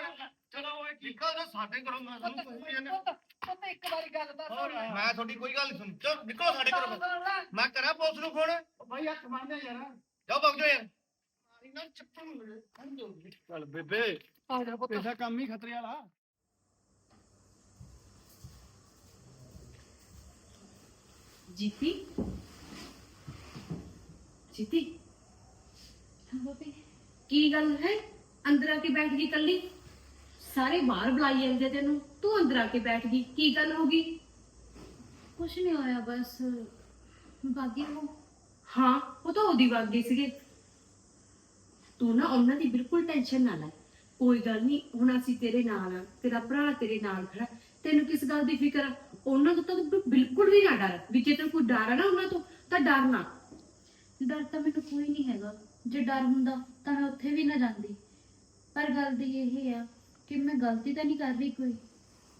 ਚਲੋ ਓਏ
ਨਿਕਲ ਜਾ ਸਾਡੇ ਘਰੋਂ। ਮੈਂ ਤੁਹਾਨੂੰ ਕੋਈ ਨਹੀਂ।
ਪੁੱਤ ਪੁੱਤ ਇੱਕ ਵਾਰੀ ਗੱਲ ਦੱਸ।
ਮੈਂ ਤੁਹਾਡੀ ਕੋਈ ਗੱਲ ਨਹੀਂ ਸੁਣ। ਚਲ ਨਿਕਲੋ ਸਾਡੇ ਘਰੋਂ। ਮੈਂ ਕਰਾਂ ਪੁਲਿਸ ਨੂੰ ਫੋਨ।
ਬਾਈ ਹੱਥ ਮੰਨਦੇ ਯਾਰ।
ਜਾਓ ਭੱਜ ਜਾਓ ਯਾਰ।
ਚੱਲ ਬੇਬੇ,
ਆ ਜਾ ਪੁੱਤ।
ਇਹਦਾ ਕੰਮ ਹੀ ਖਤਰੇ ਵਾਲਾ।
ਜੀਤੀ ਜੀਤੀ
ਹਾਂ ਬਾਬੀ।
ਕੀ ਗੱਲ ਹੈ? ਅੰਦਰ ਆ ਕੇ ਬੈਠ ਗਈ ਕੱਲੀ। ਸਾਰੇ ਬਾਹਰ ਬੁਲਾਈ ਜਾਂਦੇ ਤੈਨੂੰ, ਤੂੰ ਅੰਦਰ ਆ ਕੇ ਬੈਠ ਗਈ। ਕੀ ਗੱਲ ਹੋ ਗਈ?
ਕੁਛ ਨਹੀਂ ਹੋਇਆ, ਬਸ ਬਾਗੀ ਨੂੰ।
ਹਾਂ ਉਹ ਤਾਂ ਉਹਦੀ ਵਗ ਗਈ ਸੀਗੇ। ਤੂੰ ਨਾ ਉਹਨਾਂ ਦੀ ਬਿਲਕੁਲ ਟੈਨਸ਼ਨ ਨਾ ਲੈ। ਕੋਈ ਗੱਲ ਨਹੀਂ, ਹੁਣ ਅਸੀਂ ਤੇਰੇ ਨਾਲ ਆ, ਤੇਰਾ ਭਰਾ ਤੇਰੇ ਨਾਲ ਖੜਾ। ਤੈਨੂੰ ਕਿਸ ਗੱਲ ਦੀ ਫਿਕਰ ਆ? ਉਹਨਾਂ ਤੋਂ ਤਾਂ ਤੂੰ ਬਿਲਕੁਲ ਵੀ ਨਾ ਡਰ। ਵੀ ਜੇ ਤੈਨੂੰ ਕੋਈ ਡਰ ਆ ਨਾ ਉਹਨਾਂ ਤੋਂ, ਤਾਂ ਡਰ ਨਾ।
ਡਰ ਤਾਂ ਮੈਨੂੰ ਕੋਈ ਨਹੀਂ ਹੈਗਾ। ਜੇ ਡਰ ਹੁੰਦਾ ਤਾਂ ਮੈਂ ਉੱਥੇ ਵੀ ਨਾ ਜਾਂਦੀ। ਪਰ ਗੱਲ ਦੀ ਇਹ ਆ ਕਿ ਮੈਂ ਗਲਤੀ ਤਾਂ ਨਹੀਂ ਕਰ ਰਹੀ ਕੋਈ।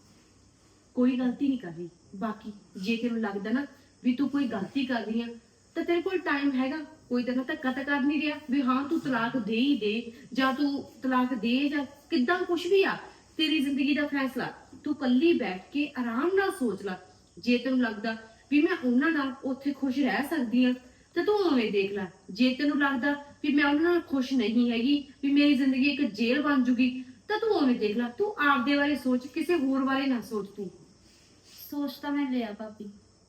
ਕੋਈ ਗਲਤੀ ਨਹੀਂ ਕਰ ਰਹੀ। ਬਾਕੀ ਜੇ ਤੈਨੂੰ ਲੱਗਦਾ ਨਾ ਵੀ ਤੂੰ ਕੋਈ ਗਲਤੀ ਕਰ ਰਹੀ ਆ, ਤਾਂ ਤੇਰੇ ਕੋਲ ਟਾਈਮ ਹੈਗਾ, ਕੋਈ ਤੈਨੂੰ ਧੱਕਾ ਤਾਂ ਕਰ ਨਹੀਂ ਰਿਹਾ ਵੀ ਹਾਂ ਤੂੰ ਤਲਾਕ ਦੇ ਹੀ ਦੇ, ਜਾਂ ਤੂੰ ਤਲਾਕ ਦੇ ਜਾਂ ਕਿੱਦਾਂ, ਕੁਛ ਵੀ ਆ ਤੇਰੀ ਜ਼ਿੰਦਗੀ ਦਾ ਫੈਸਲਾ। ਤੂੰ ਕੱਲੀ ਬੈਠ ਕੇ ਆਰਾਮ ਨਾਲ ਸੋਚ ਲੈ। ਜੇ ਤੈਨੂੰ ਲੱਗਦਾ ਵੀ ਮੈਂ ਉਹਨਾਂ ਨਾਲ ਉੱਥੇ ਖੁਸ਼ ਰਹਿ ਸਕਦੀ ਆ ਤੇ ਤੂੰ ਉਵੇਂ ਦੇਖ ਲੈ। ਜੇ ਤੈਨੂੰ ਲੱਗਦਾ ਵੀ ਮੈਂ ਉਹਨਾਂ ਨਾਲ ਖੁਸ਼ ਨਹੀਂ ਹੈਗੀ, ਵੀ ਮੇਰੀ ਜ਼ਿੰਦਗੀ ਇੱਕ ਜੇਲ੍ਹ ਬਣ ਜੂਗੀ, ਤਾਂ ਤੂੰ ਉਵੇਂ ਦੇਖ ਲੈ। ਤੂੰ ਆਪਦੇ ਬਾਰੇ ਸੋਚ, ਕਿਸੇ ਹੋਰ ਬਾਰੇ ਨਾ ਸੋਚ। ਤੂੰ
ਸੋਚ ਤਾਂ ਮੈਂ ਲਿਆ ਭਾਬੀ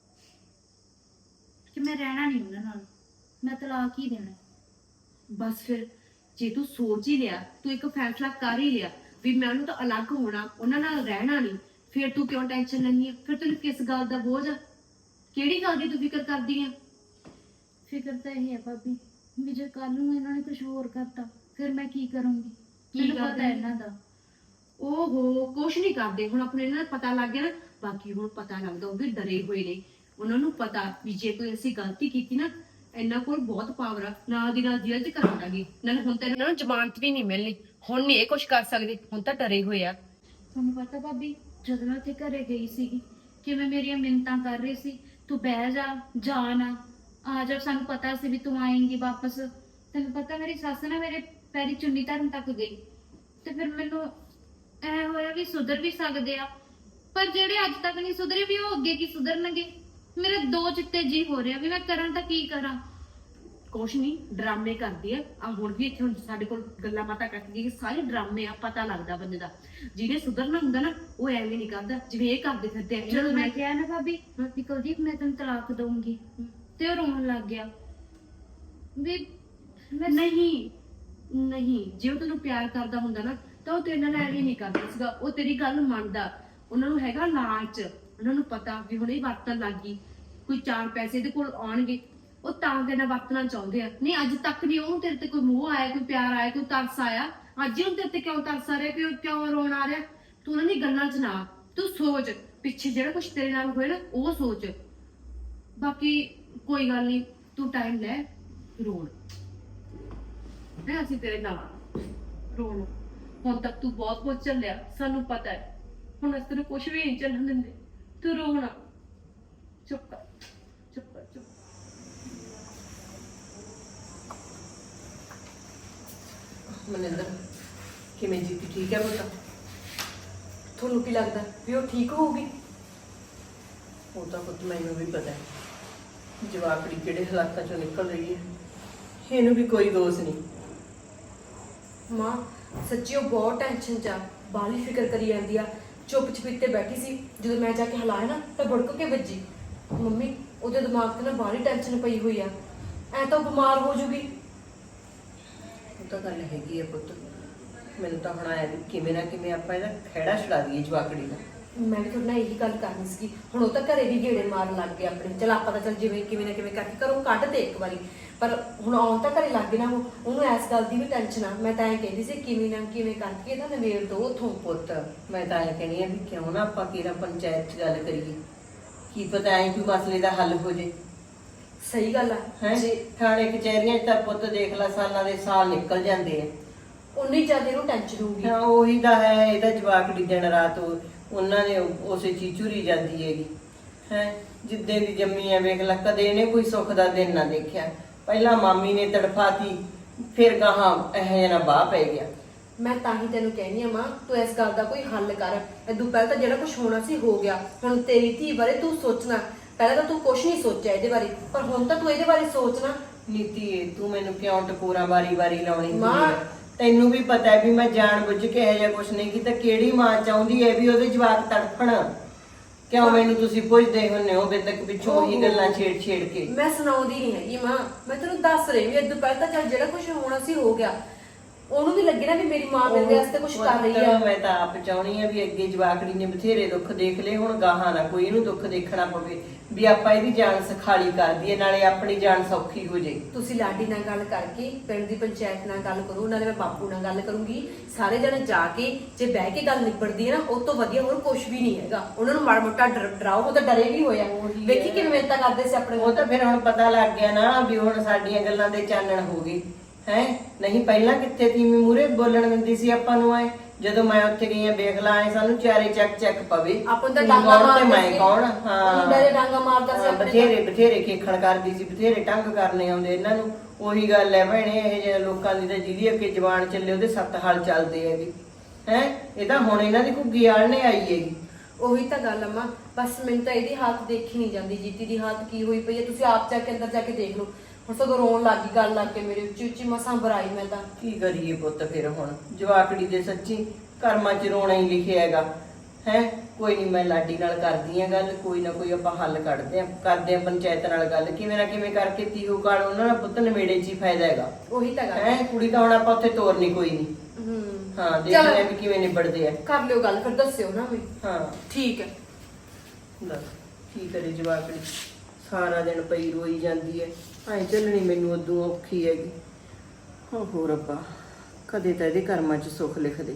ਕਿ ਮੈਂ ਰਹਿਣਾ ਨਹੀਂ ਉਹਨਾਂ ਨਾਲ, ਮੈਂ ਤਲਾਕ ਹੀ ਦੇਣਾ।
ਬਸ ਫਿਰ ਜੇ ਤੂੰ ਸੋਚ ਹੀ ਲਿਆ, ਤੂੰ ਇੱਕ ਫੈਸਲਾ ਕਰ ਹੀ ਲਿਆ ਵੀ ਮੈਂ ਉਹਨੂੰ ਤਾਂ ਅਲੱਗ ਹੋਣਾ, ਉਹਨਾਂ ਨਾਲ ਰਹਿਣਾ ਨਹੀਂ, ਫਿਰ ਤੂੰ ਕਿਉਂ ਟੈਨਸ਼ਨ ਲੈਣੀ ਹੈ? ਫਿਰ ਤੈਨੂੰ ਕਿਸ ਗੱਲ ਦਾ ਬੋਝ ਆ? ਕਿਹੜੀ ਗੱਲ ਦੀ ਤੂੰ ਫਿਕਰ ਕਰਦੀ ਆ?
ਫਿਕਰ ਤਾਂ ਇਹ ਹੈ ਭਾਬੀ ਵੀ ਜੇ ਕੱਲ ਨੂੰ ਇਹਨਾਂ ਨੇ ਕੁਝ ਹੋਰ ਕਰਤਾ ਫਿਰ ਮੈਂ ਕੀ ਕਰੂੰਗੀ?
ਕੀ
ਮੈਨੂੰ ਪਤਾ
ਕਰਦੇ?
ਹੈ ਇਹਨਾਂ ਦਾ।
ਓਹੋ, ਕੁਛ ਨਹੀਂ ਕਰਦੇ ਹੁਣ। ਆਪਣੇ ਇਹਨਾਂ ਦਾ ਪਤਾ ਲੱਗ ਗਿਆ ਨਾ, ਬਾਕੀ ਹੁਣ ਪਤਾ ਲੱਗਦਾ ਉਹ ਵੀ ਡਰੇ ਹੋਏ ਨੇ। ਉਹਨਾਂ ਨੂੰ ਪਤਾ ਵੀ ਜੇ ਕੋਈ ਅਸੀਂ ਗਲਤੀ ਕੀਤੀ ਨਾ, ਇਹਨਾਂ ਕੋਲ ਬਹੁਤ ਪਾਵਰ ਆ, ਨਾਲ ਦੀ ਨਾਲ ਜੇਲ੍ਹ 'ਚ ਕਰਾ ਦਾਂਗੇ। ਨਾਲੇ ਹੁਣ ਤਾਂ ਇਹਨਾਂ ਨੂੰ ਜ਼ਮਾਨਤ ਵੀ ਨਹੀਂ ਮਿਲਣੀ, ਹੁਣ ਨਹੀਂ ਇਹ ਕੁਛ ਕਰ ਸਕਦੇ, ਹੁਣ ਤਾਂ ਡਰੇ ਹੋਏ ਆ।
ਤੁਹਾਨੂੰ ਪਤਾ ਭਾਬੀ, ਜਦੋਂ ਮੈਂ ਉੱਥੇ ਘਰੇ ਗਈ ਸੀਗੀ ਕਿਵੇਂ ਮੇਰੀਆਂ ਮਿੰਨਤਾਂ ਕਰ ਰਹੀ ਸੀ, ਤੂੰ ਬਹਿ ਜਾ, ਜਾ ਨਾ, ਆ ਜਾ, ਸਾਨੂੰ ਪਤਾ ਸੀ ਵੀ ਤੂੰ ਆਏਂਗੀ ਵਾਪਸ। ਤੈਨੂੰ ਪਤਾ ਮੇਰੀ ਸੱਸ ਨਾ ਮੇਰੇ ਪੈਰੀ ਚੁੰਨੀ ਧਰਨ ਤੱਕ ਗਈ, ਤੇ ਫਿਰ ਮੈਨੂੰ ਐ ਹੋਇਆ ਵੀ ਸੁਧਰ ਵੀ ਸਕਦੇ ਆ, ਪਰ ਜਿਹੜੇ ਅੱਜ ਤੱਕ ਨਹੀਂ ਸੁਧਰੇ ਵੀ ਉਹ ਅੱਗੇ ਕੀ ਸੁਧਰਨਗੇ? ਮੇਰੇ ਦੋ ਚਿੱਤੇ ਜੀ ਹੋ ਰਿਹਾ ਵੀ ਮੈਂ ਕਰਾਂ ਤਾਂ ਕੀ ਕਰਾਂ।
ਕੁਛ ਨਹੀਂ, ਡਰਾਮੇ ਕਰਦੀ ਆ। ਆ ਹੁਣ ਵੀ ਇੱਥੇ ਹੁਣ ਸਾਡੇ ਕੋਲ ਗੱਲਾਂ ਬਾਤਾਂ ਕਰਦੀ, ਸਾਰੇ ਡਰਾਮੇ ਆ। ਪਤਾ ਲੱਗਦਾ ਬੰਦੇ ਦਾ, ਜਿਹਨੇ ਸੁਧਰਨਾ ਹੁੰਦਾ ਨਾ ਉਹ ਐਵੇਂ ਨਹੀਂ ਕਰਦਾ ਜਿਵੇਂ ਇਹ ਕਰਦੇ ਫਿਰਦੇ ਆ।
ਜਦੋਂ ਮੈਂ ਕਿਹਾ ਨਾ ਭਾਬੀ ਵੀ ਕੁਲਦੀਪ ਮੈਂ ਤੈਨੂੰ ਤਲਾਕ ਦਊਂਗੀ, ਤੇ ਉਹ ਰੋਣ ਲੱਗ ਗਿਆ ਵੀ ਮੈਂ
ਨਹੀਂ ਨਹੀਂ, ਜੇ ਉਹ ਤੈਨੂੰ ਪਿਆਰ ਕਰਦਾ ਹੁੰਦਾ ਨਾ ਤਾਂ ਉਹ ਤੇਰੇ ਨਾਲ ਐਵੇਂ ਨਹੀਂ ਕਰਦਾ ਸੀਗਾ। ਉਹ ਤੇਰੀ ਗੱਲ ਮੰਨਦਾ। ਉਹਨਾਂ ਨੂੰ ਹੈਗਾ ਲਾਲਚ, ਉਹਨਾਂ ਨੂੰ ਪਤਾ ਵੀ ਹੁਣ ਇਹ ਵਰਤਣ ਲੱਗ ਗਈ, ਕੋਈ ਚਾਰ ਪੈਸੇ ਇਹਦੇ ਕੋਲ ਆਉਣਗੇ, ਉਹ ਤਾਂ ਤੇਰੇ ਨਾਲ ਵਰਤਣਾ ਚਾਹੁੰਦੇ ਆ। ਨਹੀਂ ਅੱਜ ਤੱਕ ਨਹੀਂ ਉਹਨੂੰ ਤੇਰੇ ਤੇ ਕੋਈ ਮੋਹ ਆਇਆ, ਕੋਈ ਪਿਆਰ ਆਇਆ, ਕੋਈ ਤਰਸ ਆਇਆ। ਅੱਜ ਹੀ ਉਹਨੂੰ ਤੇਰੇ ਤੇ ਕਿਉਂ ਤਰਸ ਆ ਰਿਹਾ, ਕਿਉਂ ਕਿਉਂ ਰੋਣ ਆ ਰਿਹਾ? ਤੂੰ ਉਹਨਾਂ ਦੀ ਗੱਲਾਂ 'ਚ ਨਾ, ਤੂੰ ਸੋਚ ਪਿੱਛੇ ਜਿਹੜਾ ਕੁਝ ਤੇਰੇ ਨਾਲ ਹੋਇਆ ਨਾ ਉਹ ਸੋਚ। ਬਾਕੀ ਕੋਈ ਗੱਲ ਨਹੀਂ, ਤੂੰ ਟਾਈਮ ਲੈ ਰੋਣ, ਹੈ ਅਸੀਂ ਤੇਰੇ ਨਾਲ ਰੋਣ। ਹੁਣ ਤੱਕ ਤੂੰ ਬਹੁਤ ਕੁਝ ਝੱਲਿਆ, ਸਾਨੂੰ ਪਤਾ ਹੈ। ਹੁਣ ਅਸੀਂ ਤੈਨੂੰ ਕੁਝ ਵੀ ਨਹੀਂ ਝੱਲਣ ਦਿੰਦੇ। ਤੂੰ ਰੋਣਾ, ਚੁੱਪ ਕਰ, ਚੁੱਪ ਕਰ, ਚੁੱਪ।
ਮਨਿੰਦਰ, ਕਿਵੇਂ ਜੀਤੀ ਠੀਕ ਹੈ ਪੁੱਤ? ਤੁਹਾਨੂੰ ਕੀ ਲੱਗਦਾ ਵੀ ਉਹ ਠੀਕ ਹੋਊਗੀ? ਉਹ ਤਾਂ ਪੁੱਤ ਮੈਨੂੰ ਵੀ ਪਤਾ ਹੈ ਜਵਾਕੜੀ ਕਿਹੜੇ ਹਾਲਾਤਾਂ ਚੋਂ ਨਿਕਲ ਰਹੀ ਹੈ, ਇਹਨੂੰ ਵੀ ਕੋਈ ਦੋਸ਼ ਨਹੀਂ।
ਮਾਂ ਸੱਚੀ ਉਹ ਬਹੁਤ ਟੈਨਸ਼ਨ ਚ ਆ, ਬਾਹਲੀ ਫਿਕਰ ਕਰੀ ਜਾਂਦੀ ਆ। ਚੁੱਪ ਚਪੀਤੇ ਬੈਠੀ ਸੀ, ਜਦੋਂ ਮੈਂ ਜਾ ਕੇ ਹਿਲਾਇਆ ਨਾ ਤਾਂ ਬੁੜਕ ਕੇ ਵੱਜੀ। ਮੰਮੀ ਉਹਦੇ ਦਿਮਾਗ ਤੇ ਨਾ ਬਾਹਲੀ ਟੈਨਸ਼ਨ ਪਈ ਹੋਈ ਆ, ਐ ਤਾਂ ਉਹ ਬਿਮਾਰ ਹੋ ਜੂਗੀ।
ਉਹ ਤਾਂ ਗੱਲ ਹੈਗੀ ਹੈ ਪੁੱਤ, ਮੈਨੂੰ ਤਾਂ ਹੁਣ ਆਇਆ ਵੀ ਕਿਵੇਂ ਨਾ ਕਿਵੇਂ ਆਪਾਂ ਇਹਦਾ ਖਹਿੜਾ ਛੁਡਾ ਦਈਏ ਜਵਾਕੜੀ ਦਾ।
ਮੈਂ ਵੀ ਤੁਹਾਡੇ ਨਾਲ ਇਹੀ ਗੱਲ ਕਰਨੀ ਸੀਗੀ। ਹੁਣ ਉਹ ਤਾਂ ਘਰੇ ਵੀ ਗੇੜੇ ਮਾਰਨ ਲੱਗ ਗਏ ਆਪਣੇ, ਚਲ ਆਪਾਂ ਤਾਂ ਚੱਲ ਜਿਵੇਂ ਕਿਵੇਂ ਨਾ ਕਿਵੇਂ ਕਰਕੇ ਘਰੋਂ ਕੱਢ ਦੇ ਇੱਕ ਵਾਰੀ, ਪਰ ਹੁਣ ਆਉਣ ਤਾਂ ਘਰੇ ਲੱਗ ਗਏ ਨਾ, ਉਹ ਉਹਨੂੰ ਇਸ ਗੱਲ ਦੀ ਵੀ ਟੈਨਸ਼ਨ ਆ। ਮੈਂ ਤਾਂ ਐਂ ਕਹਿੰਦੀ ਸੀ ਕਿਵੇਂ ਨਾ ਕਿਵੇਂ ਕਰਕੇ ਇਹਦਾ ਨਵੇੜ ਦੋ ਉਥੋਂ।
ਪੁੱਤ ਮੈਂ ਤਾਂ ਐਂ ਕਹਿਣੀ ਆ ਵੀ ਕਿਉਂ ਨਾ ਆਪਾਂ ਕਿਹੜਾ ਪੰਚਾਇਤ 'ਚ ਗੱਲ ਕਰੀਏ, ਕੀ ਪਤਾ ਐਂ ਕੋਈ ਮਸਲੇ ਦਾ ਹੱਲ ਹੋ ਜੇ।
ਸਹੀ ਗੱਲ ਆ।
ਹੈ
ਜੇ
ਥਾਣੇ ਕਚਹਿਰੀਆਂ 'ਚ ਤਾਂ ਪੁੱਤ ਦੇਖ ਲੈ ਸਾਲਾਂ ਦੇ ਸਾਲ ਨਿਕਲ ਜਾਂਦੇ ਆ।
ਉਨੀ ਜ਼ਿਆਦਾ ਇਹਨੂੰ ਟੈਨਸ਼ਨ ਹੋਊਗੀ।
ਹਾਂ ਉਹੀ ਤਾਂ ਹੈ, ਇਹਦਾ ਜਵਾਕੜੀ ਦਿਨ ਰਾਤ ਉਹ- ਉਹਨਾਂ ਨੇ ਉਸੇ ਚੀਜ਼ ਝੁਰੀ ਜਾਂਦੀ ਹੈਗੀ ਹੈ। ਜਿੱਦੇ ਦੀ ਜੰਮੀ ਆ ਵੇਖ ਲੈ, ਕਦੇ ਇਹਨੇ ਕੋਈ ਸੁੱਖ ਦਾ ਦਿਨ ਨਾ ਦੇਖਿਆ। ਪਹਿਲਾਂ ਮਾਮੀ ਨੇ ਤੜਫਾਤੀ, ਫਿਰ ਗਾਹਾਂ ਇਹ ਜਣਾ ਬਾਹ ਪੈ ਗਿਆ।
ਮੈਂ ਤਾਂ ਹੀ ਤੈਨੂੰ ਕਹਿੰਦੀ ਆ ਮਾਂ, ਤੂੰ ਇਸ ਗੱਲ ਦਾ ਕੋਈ ਹੱਲ ਕਰ। ਇਦੋਂ ਪਹਿਲਾਂ ਤਾਂ ਜਿਹੜਾ ਕੁਝ ਹੋਣਾ ਸੀ ਹੋ ਗਿਆ, ਹੁਣ ਤੇਰੀ ਧੀ ਬਾਰੇ ਤੂੰ ਸੋਚਣਾ। ਪਹਿਲਾਂ ਤਾਂ ਤੂੰ ਕੁਝ ਨਹੀਂ ਸੋਚਿਆ ਇਹਦੇ ਬਾਰੇ, ਪਰ ਹੁਣ ਤਾਂ ਤੂੰ ਇਹਦੇ ਬਾਰੇ ਸੋਚਣਾ।
ਨੀਤੀ ਤੂੰ ਮੈਨੂੰ ਕਿਉਂ ਟਕੋਰਾ ਵਾਰੀ ਵਾਰੀ ਲਾਉਣੀ
ਮਾਂ,
ਹੁੰਦੀ ਹੈ? ਤੈਨੂੰ ਵੀ ਪਤਾ ਹੈ ਵੀ ਮੈਂ ਜਾਣ ਬੁੱਝ ਕੇ ਇਹੋ ਜਿਹਾ ਕੁਝ ਨਹੀਂ ਕੀਤਾ। ਕਿਹੜੀ ਮਾਂ ਚਾਹੁੰਦੀ ਹੈ ਵੀ ਉਹਦੇ ਜਵਾਕ ਤੜਫਣ? ਕਿਉਂ ਮੈਨੂੰ ਤੁਸੀਂ ਪੁੱਛਦੇ ਹੁੰਨੇ ਹੋ ਬੇਤਕ ਪਿੱਛੋਂ ਉਹੀ ਗੱਲਾਂ ਛੇੜ ਛੇੜ ਕੇ?
ਮੈਂ ਸੁਣਾਉਂਦੀ ਨਹੀਂ ਹੈਗੀ ਮਾਂ, ਮੈਂ ਤੈਨੂੰ ਦੱਸ ਰਹੀ ਵੀ ਇਦੋਂ ਪਹਿਲਾਂ ਤਾਂ ਚੱਲ ਜਿਹੜਾ ਕੁਝ ਹੋਣਾ ਸੀ ਹੋ ਗਿਆ। ਉਹਨੂੰ ਵੀ ਲੱਗੇ ਨਾ ਵੀ ਮੇਰੀ ਮਾਂ ਮੇਰੇ ਵਾਸਤੇ ਕੁਝ ਕਰ ਰਹੀ ਆ।
ਮੈਂ ਤਾਂ ਆਪ ਚਾਹਣੀ ਆ ਵੀ ਅੱਗੇ ਜਵਾਕੜੀ ਨੇ ਬਥੇਰੇ ਦੁੱਖ ਦੇਖ ਲਏ, ਹੁਣ ਗਾਹਾਂ ਨਾ ਕੋਈ ਇਹਨੂੰ ਦੁੱਖ ਦੇਖਣਾ ਪਵੇ ਵੀ ਆਪਾਂ ਇਹਦੀ ਜਾਨ ਸਖਾਲੀ ਕਰ ਦਈਏ, ਨਾਲੇ ਆਪਣੀ ਜਾਨ ਸੌਖੀ ਹੋ ਜੇ।
ਤੁਸੀਂ ਲਾਡੀ ਨਾਲ ਗੱਲ ਕਰਕੇ ਪਿੰਡ ਦੀ ਪੰਚਾਇਤ ਨਾਲ ਗੱਲ ਕਰੋ, ਨਾਲੇ ਮੈਂ ਬਾਪੂ ਨਾਲ ਗੱਲ ਕਰੂੰਗੀ। ਸਾਰੇ ਜਣੇ ਜਾ ਕੇ ਜੇ ਬਹਿ ਕੇ ਗੱਲ ਨਿਬੜਦੀ ਹੈ ਨਾ, ਉਹ ਤੋਂ ਵਧੀਆ ਹੋਰ ਕੁਝ ਵੀ ਨਹੀਂ ਹੈਗਾ। ਉਹਨਾਂ ਨੂੰ ਮਾੜਾ ਮੋਟਾ ਡਰ- ਡਰਾਓ, ਉਹ ਤਾਂ ਡਰੇ ਵੀ ਹੋਇਆ। ਵੇਖੀ ਕਿਵੇਂ ਮਿਹਨਤਾਂ ਕਰਦੇ ਸੀ ਆਪਣੇ।
ਉਹ ਤਾਂ ਫਿਰ ਹੁਣ ਪਤਾ ਲੱਗ ਗਿਆ ਨਾ ਵੀ ਹੁਣ ਸਾਡੀਆਂ ਗੱਲਾਂ ਦੇ ਚਾਨਣ ਹੋ ਗਏ ਹੈ। ਨਹੀਂ ਪਹਿਲਾਂ ਕਿੱਥੇ ਤੀਵੀਂ ਮੂਰੇ ਬੋਲਣ ਦਿੰਦੀ ਸੀ ਆਪਾਂ ਨੂੰ ਐ
ਜਦੋਂ ਮੈਂ ਉੱਥੇ ਗਈ ਆ ਵੇਖ ਲਾ ਐ ਸਾਨੂੰ ਚਾਰੇ ਚੱਕ ਚੱਕ ਪਵੇ
ਆਪਾਂ ਨੂੰ ਤਾਂ
ਤੂੰ
ਡਾਂਗਾ
ਕੌਣ ਤੇ
ਮਾਰਦਾ
ਮੈਂ
ਸੀ।
ਕੌਣ
ਮੁੰਡਾ ਦੇ ਡਾਂਗਾ ਮਾਰਦਾ ਸੀ
ਹਾਂ,
ਆਪਣੇ
ਬਥੇਰੇ ਬਥੇਰੇ ਖੇਖਣ ਕਰਦੀ ਸੀ, ਬਥੇਰੇ ਟੰਗ ਕਰਨੇ ਆਉਂਦੇ ਇਹਨਾਂ ਨੂੰ। ਉਹੀ ਗੱਲ ਹੈ ਭੈਣੇ, ਇਹ ਜਿਹੇ ਲੋਕਾਂ ਦੀ ਤਾਂ ਜਿਹਦੀ ਅੱਗੇ ਜ਼ਬਾਨ ਚੱਲੇ ਉਹਦੇ ਸੱਤ ਹਲ ਚੱਲਦੇ ਹੈਗੇ ਹੈ। ਇਹ ਤਾਂ ਹੁਣ ਇਹਨਾਂ ਦੀ ਘੁੱਗੀ ਆਲਣੇ ਆਈ ਹੈਗੀ।
ਉਹੀ ਤਾਂ ਗੱਲ ਅਮਾ, ਬਸ ਮੈਨੂੰ ਤਾਂ ਇਹਦੀ ਹਾਲਤ ਦੇਖੀ ਨਹੀਂ ਜਾਂਦੀ। ਜੀਤੀ ਦੀ ਹਾਲਤ ਕੀ ਹੋਈ ਪਈ ਹੈ, ਤੁਸੀਂ ਆਪ ਜਾ ਕੇ ਅੰਦਰ ਜਾ ਕੇ ਦੇਖ ਲਓ। ਹੁਣ ਸਗੋਂ ਰੋਣ ਲੱਗ ਗਈ ਗੱਲ ਲੱਗ ਕੇ ਮੇਰੇ ਉੱਚੀ ਉੱਚੀ ਮਸਾਂ ਬਰਾਈ ਮੈਂ ਤਾਂ।
ਕੀ ਕਰੀਏ ਪੁੱਤ ਫਿਰ ਹੁਣ, ਜਵਾਕੜੀ ਦੇ ਸੱਚੀ ਕਰਮਾਂ 'ਚ ਰੋਣਾ ਹੀ ਲਿਖਿਆ ਹੈਗਾ ਹੈ। ਕੋਈ ਨਹੀਂ, ਮੈਂ ਲਾਡੀ ਨਾਲ ਕਰਦੀ ਆ ਗੱਲ, ਕੋਈ ਨਾ ਕੋਈ ਆਪਾਂ ਹੱਲ ਕੱਢਦੇ ਆ, ਕਰਦੇ ਆ ਪੰਚਾਇਤ ਨਾਲ ਗੱਲ, ਕਿਵੇਂ ਨਾ ਕਿਵੇਂ ਕਰਕੇ ਤੀਹੂ ਕਾਲ ਉਹਨਾਂ ਦਾ ਪੁੱਤ ਨਵੇੜੇ 'ਚ ਹੀ ਫਾਇਦਾ ਹੈਗਾ
ਉਹੀ ਤਾਂ ਗੱਲ
ਹੈ। ਕੁੜੀ ਤਾਂ ਹੁਣ ਆਪਾਂ ਉੱਥੇ ਤੋਰਨੀ ਕੋਈ ਨਹੀਂ।
ਹੂੰ
ਹਾਂ, ਦੇਖਦੇ ਆ ਵੀ ਕਿਵੇਂ ਨਿਬੜਦੇ ਆ।
ਕਰ ਲਿਓ ਗੱਲ, ਫਿਰ ਦੱਸਿਓ ਨਾ ਵੀ।
ਹਾਂ
ਠੀਕ ਹੈ।
ਦੱਸ ਕੀ ਕਰੇ ਜਵਾਕੜੀ, ਸਾਰਾ ਦਿਨ ਪਈ ਰੋਈ ਜਾਂਦੀ ਹੈ। ਐ ਚੱਲਣੀ ਮੈਨੂੰ ਉਦੋਂ ਔਖੀ ਹੈਗੀ। ਓਹੋ ਰੱਬਾ, ਕਦੇ ਤਾਂ ਇਹਦੇ ਕਰਮਾਂ 'ਚ ਸੁੱਖ ਲਿਖ ਦੇ।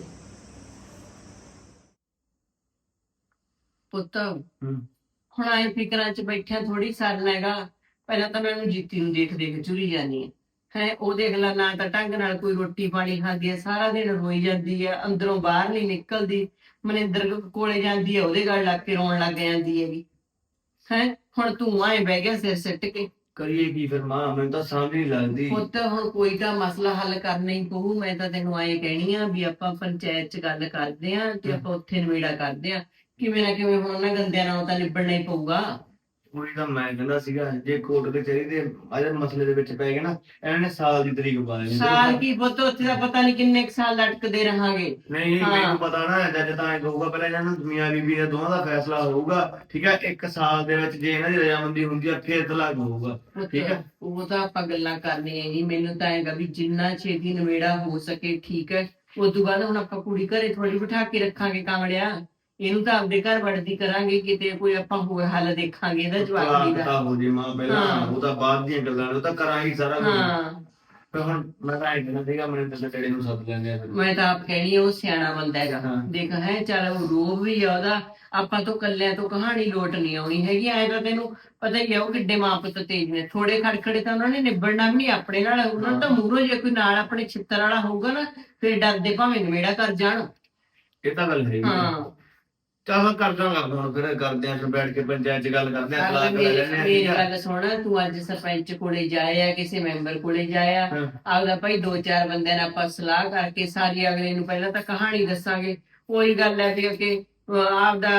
ਪੁੱਤ
ਹੂੰ।
ਹੁਣ ਆਏ ਫਿਕਰਾਂ 'ਚ ਬੈਠਿਆ ਥੋੜੀ ਸਰਨਾ ਹੈਗਾ। ਪਹਿਲਾਂ ਤਾਂ ਮੈਨੂੰ ਜੀਤੀ ਨੂੰ ਦੇਖ ਦੇਖ ਚੁਰੀ ਜਾਨੀ ਹੈ ਹੈ ਉਹ ਦੇਖ ਲੈ, ਨਾ ਤਾਂ ਢੰਗ ਨਾਲ ਕੋਈ ਰੋਟੀ ਪਾਣੀ ਖਾਂਦੀ ਹੈ, ਸਾਰਾ ਦਿਨ ਰੋਈ ਜਾਂਦੀ ਹੈ, ਅੰਦਰੋਂ ਬਾਹਰ ਨਹੀਂ ਨਿਕਲਦੀ। ਮਨਿੰਦਰ ਕੋਲੇ ਜਾਂਦੀ ਹੈ, ਉਹਦੇ ਗੱਲ ਲੱਗ ਕੇ ਰੋਣ ਲੱਗ ਜਾਂਦੀ ਹੈਗੀ ਹੈ। ਹੁਣ ਤੂੰ ਆਏ ਬਹਿ ਗਿਆ ਸਿਰ ਸਿੱਟ ਕੇ।
ਕਰੀਏ ਕੀ ਫਿਰ ਮਾਂ, ਮੈਨੂੰ ਤਾਂ ਸਮਝ ਨਹੀਂ ਲੱਗਦੀ।
ਪੁੱਤ ਹੁਣ ਕੋਈ ਤਾਂ ਮਸਲਾ ਹੱਲ ਕਰਨਾ ਹੀ ਪਊ। ਮੈਂ ਤਾਂ ਤੈਨੂੰ ਆਏ ਕਹਿਣੀ ਆ ਵੀ ਆਪਾਂ ਪੰਚਾਇਤ 'ਚ ਗੱਲ ਕਰਦੇ ਆ ਤੇ ਆਪਾਂ ਉੱਥੇ ਨਿਬੇੜਾ ਕਰਦੇ ਆ। ਕਿਵੇਂ ਨਾ ਕਿਵੇਂ ਹੁਣ ਉਹਨਾਂ ਗੰਦਿਆਂ ਨਾਲੋਂ ਤਾਂ ਨਿਬੜਨਾ ਹੀ ਪਊਗਾ।
ਉਹੀ ਤਾਂ ਮੈਂ ਕਹਿੰਦਾ ਸੀਗਾ, ਜੇ ਕੋਰਟ ਕਚਹਿਰੀ ਦੇ ਅਜੇ ਮਸਲੇ ਦੇ ਵਿੱਚ ਪੈ ਗਏ ਨਾ, ਇਹਨਾਂ ਨੇ ਸਾਲ ਦੀ ਤਰੀਕ ਪਾ ਦੇਣੀ।
ਸਾਲ ਕੀ ਪੁੱਤ, ਉੱਥੇ ਦਾ ਪਤਾ ਨਹੀਂ ਕਿੰਨੇ ਕੁ ਸਾਲ ਲਟਕਦੇ ਰਹਾਂਗੇ।
ਨਹੀਂ ਨਹੀਂ,
ਹਾਂ।
ਮੈਨੂੰ ਪਤਾ ਨਾ, ਜੱਜ ਤਾਂ ਐਂ ਕਹੂਗਾ ਪਹਿਲਾਂ ਇਹਨਾਂ ਨੂੰ ਮੀਆਂ ਬੀਬੀ ਦੇ ਦੋਵਾਂ ਦਾ ਫੈਸਲਾ ਹੋਊਗਾ, ਠੀਕ ਹੈ। ਇੱਕ ਸਾਲ ਦੇ ਵਿੱਚ ਜੇ ਇਹਨਾਂ ਦੀ ਰਜਾਮੰਦੀ ਹੁੰਦੀ ਆ ਫਿਰ ਤਲਾਕ ਹੋਊਗਾ,
ਪੁੱਤ,
ਠੀਕ ਹੈ।
ਉਹ ਤਾਂ ਆਪਾਂ ਗੱਲਾਂ ਕਰਨੀਆਂ ਹੀ। ਮੈਨੂੰ ਤਾਂ ਹੈਗਾ ਵੀ ਜਿੰਨਾ ਛੇਤੀ ਨਿਬੇੜਾ ਹੋ ਸਕੇ ਠੀਕ ਹੈ। ਉਸ ਤੋਂ ਬਾਅਦ ਹੁਣ ਆਪਾਂ ਕੁੜੀ ਘਰੇ ਥੋੜੀ ਬਿਠਾ ਕੇ ਰੱਖਾਂਗੇ ਕਾਂਵੜਿਆ। ਇਹਨੂੰ ਤਾਂ ਆਪਦੇ ਘਰ ਵੜਦੀ ਕਰਾਂਗੇ, ਕਿਤੇ ਕੋਈ ਆਪਾਂ ਹੋਰ ਹੱਲ ਦੇਖਾਂਗੇ ਇਹਦਾ ਜਵਾਬ
ਤਲਾਕ
ਦਾ।
ਤਾਂ ਹੋ ਜੇ ਮਾਂ ਪਹਿਲਾਂ,
ਹਾਂ।
ਉਹ ਤਾਂ ਬਾਅਦ ਦੀਆਂ ਗੱਲਾਂ ਨੇ, ਉਹ ਤਾਂ ਕਰਾਂਗੇ ਸਾਰਾ ਕੁਝ।
ਹਾਂ,
ਫਿਰ ਹੁਣ ਮੈਂ ਤਾਂ ਐਂ ਕਹਿੰਦਾ ਸੀਗਾ, ਮੈਨੂੰ ਤਾਂ ਤੇਰੇ ਨੂੰ ਸੱਦ ਲੈਂਦੇ ਆ ਫਿਰ।
ਮੈਂ ਤਾਂ ਆਪ ਕਹਿਣੀ ਆ ਉਹ ਸਿਆਣਾ ਬੰਦਾ ਹੈਗਾ।
ਹਾਂ।
ਦੇਖ ਹੈ, ਚੱਲ ਉਹ ਰੋਬ ਵੀ ਆ ਉਹਦਾ, ਆਪਾਂ ਤੋਂ ਕੱਲਿਆਂ ਤੋਂ ਕਹਾਣੀ ਲੋਟ ਨਹੀਂ ਆਉਣੀ ਹੈਗੀ। ਐ ਤਾਂ ਤੈਨੂੰ ਪਤਾ ਹੀ ਆ ਉਹ ਕਿੱਡੇ ਮਾਂ ਪੁੱਤ ਤੇਜ ਨੇ। ਥੋੜੇ ਖੜਖੜੇ ਤਾਂ ਉਹਨਾਂ ਨੇ ਨਿਬੜਨਾ ਵੀ ਨਹੀਂ ਆਪਣੇ ਨਾਲ। ਉਹਨਾਂ ਨੂੰ ਤਾਂ ਮੂਹਰੋਂ ਜੇ ਕੋਈ ਨਾਲ ਆਪਣੇ ਛਿੱਤਰ ਵਾਲਾ ਹੋਊਗਾ ਨਾ, ਫਿਰ ਡਰਦੇ ਭਾਵੇਂ ਨਿਬੇੜਾ ਕਰ ਜਾਣ।
ਇਹ ਤਾਂ ਗੱਲ ਹੈਗੀ।
ਹਾਂ,
ਚੱਲ ਕਰਦਾ ਕਰਦਾ ਹੁਣ ਫਿਰ ਕਰਦੇ ਆ, ਫਿਰ ਬੈਠ ਕੇ ਪੰਚਾਇਤ ਚ ਗੱਲ ਕਰਦੇ ਆ, ਤਲਾਕ ਲੈ
ਮੇਰੀ
ਲੈਂਦੇ ਆ,
ਮੇਰੀ
ਠੀਕ ਆ।
ਗੱਲ ਸੁਣ, ਤੂੰ ਅੱਜ ਸਰਪੰਚ ਕੋਲੇ ਜਾਇਆ, ਕਿਸੇ ਮੈਂਬਰ ਕੋਲੇ ਜਾਇਆ,
ਹਾਂ।
ਆਪਦਾ ਭਾਈ ਦੋ ਚਾਰ ਬੰਦਿਆਂ ਨਾਲ ਆਪਾਂ ਸਲਾਹ ਕਰਕੇ ਸਾਰੀ ਅਗਲੇ ਨੂੰ ਪਹਿਲਾਂ ਤਾਂ ਕਹਾਣੀ ਦੱਸਾਂਗੇ। ਉਹੀ ਗੱਲ ਹੈ ਵੀ ਕਿ ਅਹ ਆਪਦਾ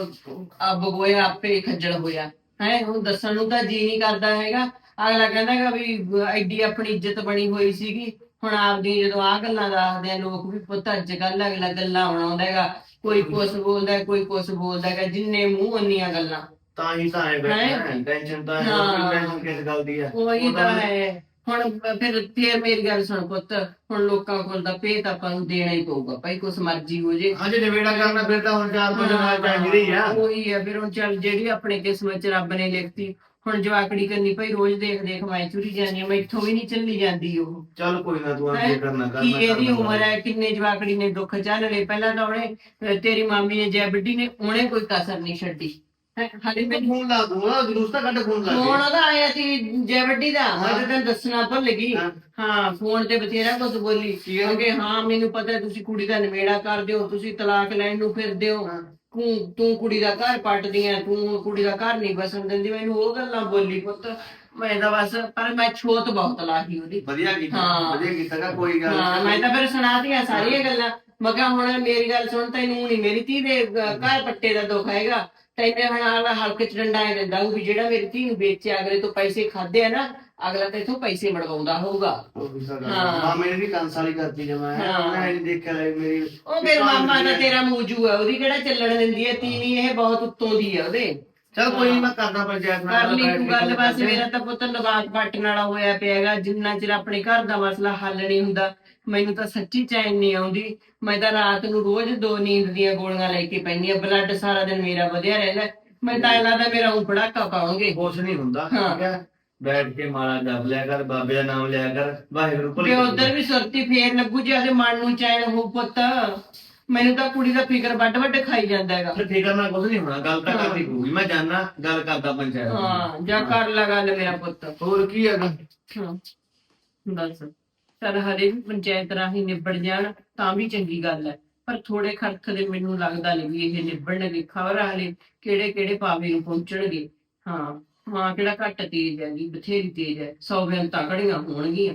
ਅੱਬ ਗੋਇਆ ਆਪੇ ਖੱਜਲ ਹੋਇਆ ਹੈ। ਹੁਣ ਦੱਸਣ ਨੂੰ ਤਾਂ ਜੀ ਨਹੀਂ ਕਰਦਾ ਹੈਗਾ। ਅਗਲਾ ਕਹਿੰਦਾ ਹੈਗਾ ਵੀ ਐਡੀ ਆਪਣੀ ਇੱਜ਼ਤ ਬਣੀ ਹੋਈ ਸੀਗੀ, ਹੁਣ ਆਪਦੀ ਜਦੋਂ ਆਹ ਗੱਲਾਂ ਦੱਸਦੇ ਆ ਲੋਕ ਵੀ ਪੁੱਤ ਅੱਜ ਕੱਲ੍ਹ ਅਗਲਾ ਗੱਲਾਂ ਬਣਾਉਂਦਾ ਹੈਗਾ। ਕੋਈ ਕੁਛ ਬੋਲਦਾ, ਕੋਈ ਕੁਛ ਬੋਲਦਾ ਹੈਗਾ, ਜਿੰਨੇ ਮੂੰਹ ਉਨੀਆਂ ਗੱਲਾਂ।
ਤਾਂ ਹੀ ਤਾਂ ਐ ਬੈਠਾ, ਟੈਨਸ਼ਨ ਤਾਂ ਹੈ,
ਹਾਂ।
ਟੈਨਸ਼ਨ ਕਿਸ ਗੱਲ ਦੀ ਆ।
ਉਹੀ
ਉਹ
ਤਾਂ ਹੈ। ਹੁਣ ਫਿਰ ਫੇਰ ਮੇਰੀ ਗੱਲ ਸੁਣ ਪੁੱਤ, ਹੁਣ ਲੋਕਾਂ ਕੋਲ ਤਾਂ ਭੇਤ ਆਪਾਂ ਨੂੰ ਦੇਣਾ ਹੀ ਪਊਗਾ ਭਾਈ, ਕੁਛ ਮਰਜ਼ੀ ਹੋ ਜੇ।
ਹਾਂ, ਜੇ ਨਿਬੇੜਾ ਕਰਨਾ ਫਿਰ ਤਾਂ ਹੁਣ ਚਾਰ ਪੰਜ ਨਾਲ ਚਾਹੀਦੀ ਆ।
ਉਹੀ ਆ ਫਿਰ ਹੁਣ ਚੱਲ, ਜਿਹੜੀ ਆਪਣੇ ਕਿਸਮਤ ਚ ਰੱਬ ਨੇ ਲਿਖਤੀ। ਹੁਣ ਜਵਾਕੜੀ ਕਰਨੀ ਭਾਈ, ਰੋਜ਼ ਦੇਖ ਦੇਖ ਮੈਂ ਚੁਰੀ ਜਾਂਦੀ ਆ, ਮੈਥੋਂ ਵੀ ਨਹੀਂ ਚੱਲੀ ਜਾਂਦੀ ਉਹ।
ਚੱਲ ਕੋਈ ਨਾ, ਤੂੰ
ਹੈਂ?
ਅੱਗੇ ਕਰਨਾ
ਕੀ
ਕਰਨਾ
ਇਹਦੀ
ਕਰਨਾ।
ਉਮਰ ਹੈ, ਕਿੰਨੇ ਜਵਾਕੜੀ ਨੇ ਦੁੱਖ ਝੱਲ ਲਏ। ਪਹਿਲਾਂ ਤਾਂ ਉਹਨੇ ਅਹ ਤੇਰੀ ਮਾਮੀ ਨੇ ਜੈ ਵੱਡੀ ਨੇ, ਉਹਨੇ ਕੋਈ ਕਸਰ ਨਹੀਂ ਛੱਡੀ ਹੈ। ਹਾਲੇ
ਮੈਂ
ਮੈਨੂੰ
ਫੋਨ ਲਾ ਦੂੰਗਾ, ਜਲੂਸ ਤਾਂ ਕੱਢ ਫੋਨ ਲਾ
ਫੋਨ
ਕੇ।
ਉਹਦਾ ਆਇਆ ਸੀ ਜੈ ਵੱਡੀ ਦਾ, ਮੈਂ ਤਾਂ ਤੈਨੂੰ ਦੱਸਣਾ ਭੁੱਲ ਗਈ।
ਹਾਂ।
ਹਾਂ, ਫੋਨ ਤੇ ਬਥੇਰਾ ਕੁਝ ਬੋਲੀ
ਕੀ ਕਹਿੰਦੀ?
ਕਿ ਹਾਂ ਮੈਨੂੰ ਪਤਾ ਤੁਸੀਂ ਕੁੜੀ ਦਾ ਨਿਬੇੜਾ ਕਰਦੇ ਹੋ, ਤੁਸੀਂ ਤਲਾਕ ਲੈਣ ਨੂੰ ਫਿਰਦੇ ਹੋ,
ਹਾਂ।
ਤੂੰ ਤੂੰ ਕੁੜੀ ਦਾ ਘਰ ਪੱਟਦੀ ਆ, ਤੂੰ ਕੁੜੀ ਦਾ ਘਰ ਨਹੀਂ ਬਸਣ ਦਿੰਦੀ। ਮੈਨੂੰ ਉਹ ਗੱਲਾਂ ਬੋਲੀ ਪੁੱਤ। ਮੈਂ ਤਾਂ ਬਸ, ਪਰ ਮੈਂ ਛੋਤ ਬਹੁਤ ਲਾਹੀ ਉਹਦੀ।
ਵਧੀਆ ਕੀਤਾ,
ਹਾਂ।
ਵਧੀਆ ਕੀਤਾ ਗਾ, ਕੋਈ ਗੱਲ
ਹਾਂ, ਮੈਂ ਤਾਂ ਫਿਰ ਸੁਣਾਤੀਆਂ ਸਾਰੀਆਂ ਗੱਲਾਂ। ਮੈਂ ਕਿਹਾ ਹੁਣ ਮੇਰੀ ਗੱਲ ਸੁਣ, ਤੈਨੂੰ ਨਹੀਂ ਮੇਰੀ ਧੀ ਦੇ ਅਹ, ਘਰ ਪੱਟੇ ਦਾ ਦੁੱਖ ਹੈਗਾ। ਤੈਨੂੰ ਹੁਣ ਆਲਾ ਹਲਕੇ ਚ ਡੰਡਾ ਐ ਦਿੰਦਾ ਉਹ ਵੀ ਜਿਹੜਾ ਮੇਰੀ ਧੀ ਨੂੰ ਵੇਚਿਆ, ਅਗਲੇ ਤੋਂ ਪੈਸੇ ਖਾਦੇ ਆ ਨਾ, ਅਗਲਾ ਤੇ ਇਥੋਂ ਪੈਸੇ ਮੜਵਾਉਂਦਾ ਹੋਊਗਾ। ਹਾਂ।
ਮਾਮੇ ਨੇ ਵੀ ਕੰਸ ਵਾਲੀ ਕਰਤੀ ਜਮਾ,
ਹਾਂ।
ਮੈਂ ਨਹੀਂ ਦੇਖਿਆ ਲੈ ਮੇਰੀ।
ਉਹ ਮੇਰੇ ਮਾਮਾ ਦਾ ਤੇਰਾ ਮੂਜੂ ਹੈ, ਉਹਦੀ ਕਿਹੜਾ ਚੱਲਣ ਦਿੰਦੀ ਹੈ ਤੀਵੀਂ, ਇਹ ਬਹੁਤ ਉੱਤੋਂ ਦੀ ਹੈ ਉਹਦੇ।
ਚੱਲ ਕੋਈ ਨੀ, ਮੈਂ ਕਰਦਾ ਪੰਚਾਇਤ ਨਾਲ
ਕਰ ਲਈ
ਬੈਠ
ਤੂੰ
ਕੇ
ਗੱਲ। ਬਸ
ਕਰਦੇ ਆ।
ਮੇਰਾ ਤਾਂ ਪੁੱਤ ਲਵਾਕ ਪੱਟਣ ਵਾਲਾ ਹੋਇਆ ਪਿਆ ਹੈਗਾ। ਜਿੰਨਾ ਚਿਰ ਆਪਣੇ ਘਰ ਦਾ ਮਸਲਾ ਹੱਲ ਨਹੀਂ ਹੁੰਦਾ, ਮੈਨੂੰ ਤਾਂ ਸੱਚੀ ਚੈਨ ਨਹੀਂ ਆਉਂਦੀ। ਮੈਂ ਤਾਂ ਰਾਤ ਨੂੰ ਰੋਜ਼ ਦੋ ਨੀਂਦ ਦੀਆਂ ਗੋਲੀਆਂ ਲੈ ਕੇ ਪੈਂਦੀ ਆ। ਬਲੱਡ ਸਾਰਾ ਦਿਨ ਮੇਰਾ ਵਧਿਆ ਰਹਿੰਦਾ। ਮੈਂ ਤਾਂ ਐਂ ਲੱਗਦਾ ਮੇਰਾ ਉਹ ਪੜਾਕਾ ਪਾਉਣਗੇ।
ਕੁਛ ਨਹੀਂ ਹੁੰਦਾ,
ਹਾਂ।
ਠੀਕ ਹੈ। ਬੈਠ ਕੇ ਮਾਲਾ ਜਪ ਲਿਆ ਕਰ, ਬਾਬੇ ਦਾ ਨਾਮ ਲਿਆ ਕਰ, ਵਾਹਿਗੁਰੂ ਭਲੀ
ਤੇ ਉਧਰ ਵੀ ਸੁਰਤੀ ਫੇਰ ਲੱਗੂ ਜੇ ਉਹਦੇ ਮਨ ਨੂੰ ਚੈਨ ਹੋ ਪੁੱਤ। ਮੈਨੂੰ ਤਾਂ ਕੁੜੀ ਦਾ ਫਿਕਰ ਵੱਡ ਵੱਡ ਖਾਈ ਜਾਂਦਾ ਹੈਗਾ।
ਫਿਰ ਫਿਕਰ ਨਾਲ ਕੁਛ ਨਹੀਂ ਹੋਣਾ, ਗੱਲ ਤਾਂ
ਹਾਂ।
ਕਰਨੀ ਪਊਗੀ। ਮੈਂ ਜਾਣਾ, ਗੱਲ ਕਰਦਾ ਪੰਚਾਇਤ ਨਾਲ।
ਹਾਂ, ਜਾ ਕਰ ਲਾ ਗੱਲ ਮੇਰਾ ਪੁੱਤ।
ਹੋਰ ਕੀ ਹੈਗਾ।
ਹਾਂ, ਬਸ ਚੱਲ ਹਰੇ ਵੀ ਪੰਚਾਇਤ ਰਾਹੀਂ ਨਿਬੜ ਜਾਣ ਤਾਂ ਵੀ ਚੰਗੀ ਗੱਲ ਹੈ।
ਪਰ ਥੋੜੇ ਖਰਚ ਦੇ ਮੈਨੂੰ ਲੱਗਦਾ ਨਹੀਂ ਵੀ ਇਹ ਨਿਭਣਗੇ। ਖਬਰ ਹਾਲੇ ਕਿਹੜੇ ਕਿਹੜੇ ਪਾਵੇ ਨੂੰ ਪਹੁੰਚਣਗੇ। ਹਾਂ, ਮਾਂ ਕਿਹੜਾ ਘੱਟ ਤੇਜ਼ ਹੈਗੀ, ਬਥੇਰੀ ਤੇਜ਼ ਹੈ। ਸੌ ਬੇਨਤਾਂ ਘੜੀਆਂ ਹੋਣਗੀਆਂ।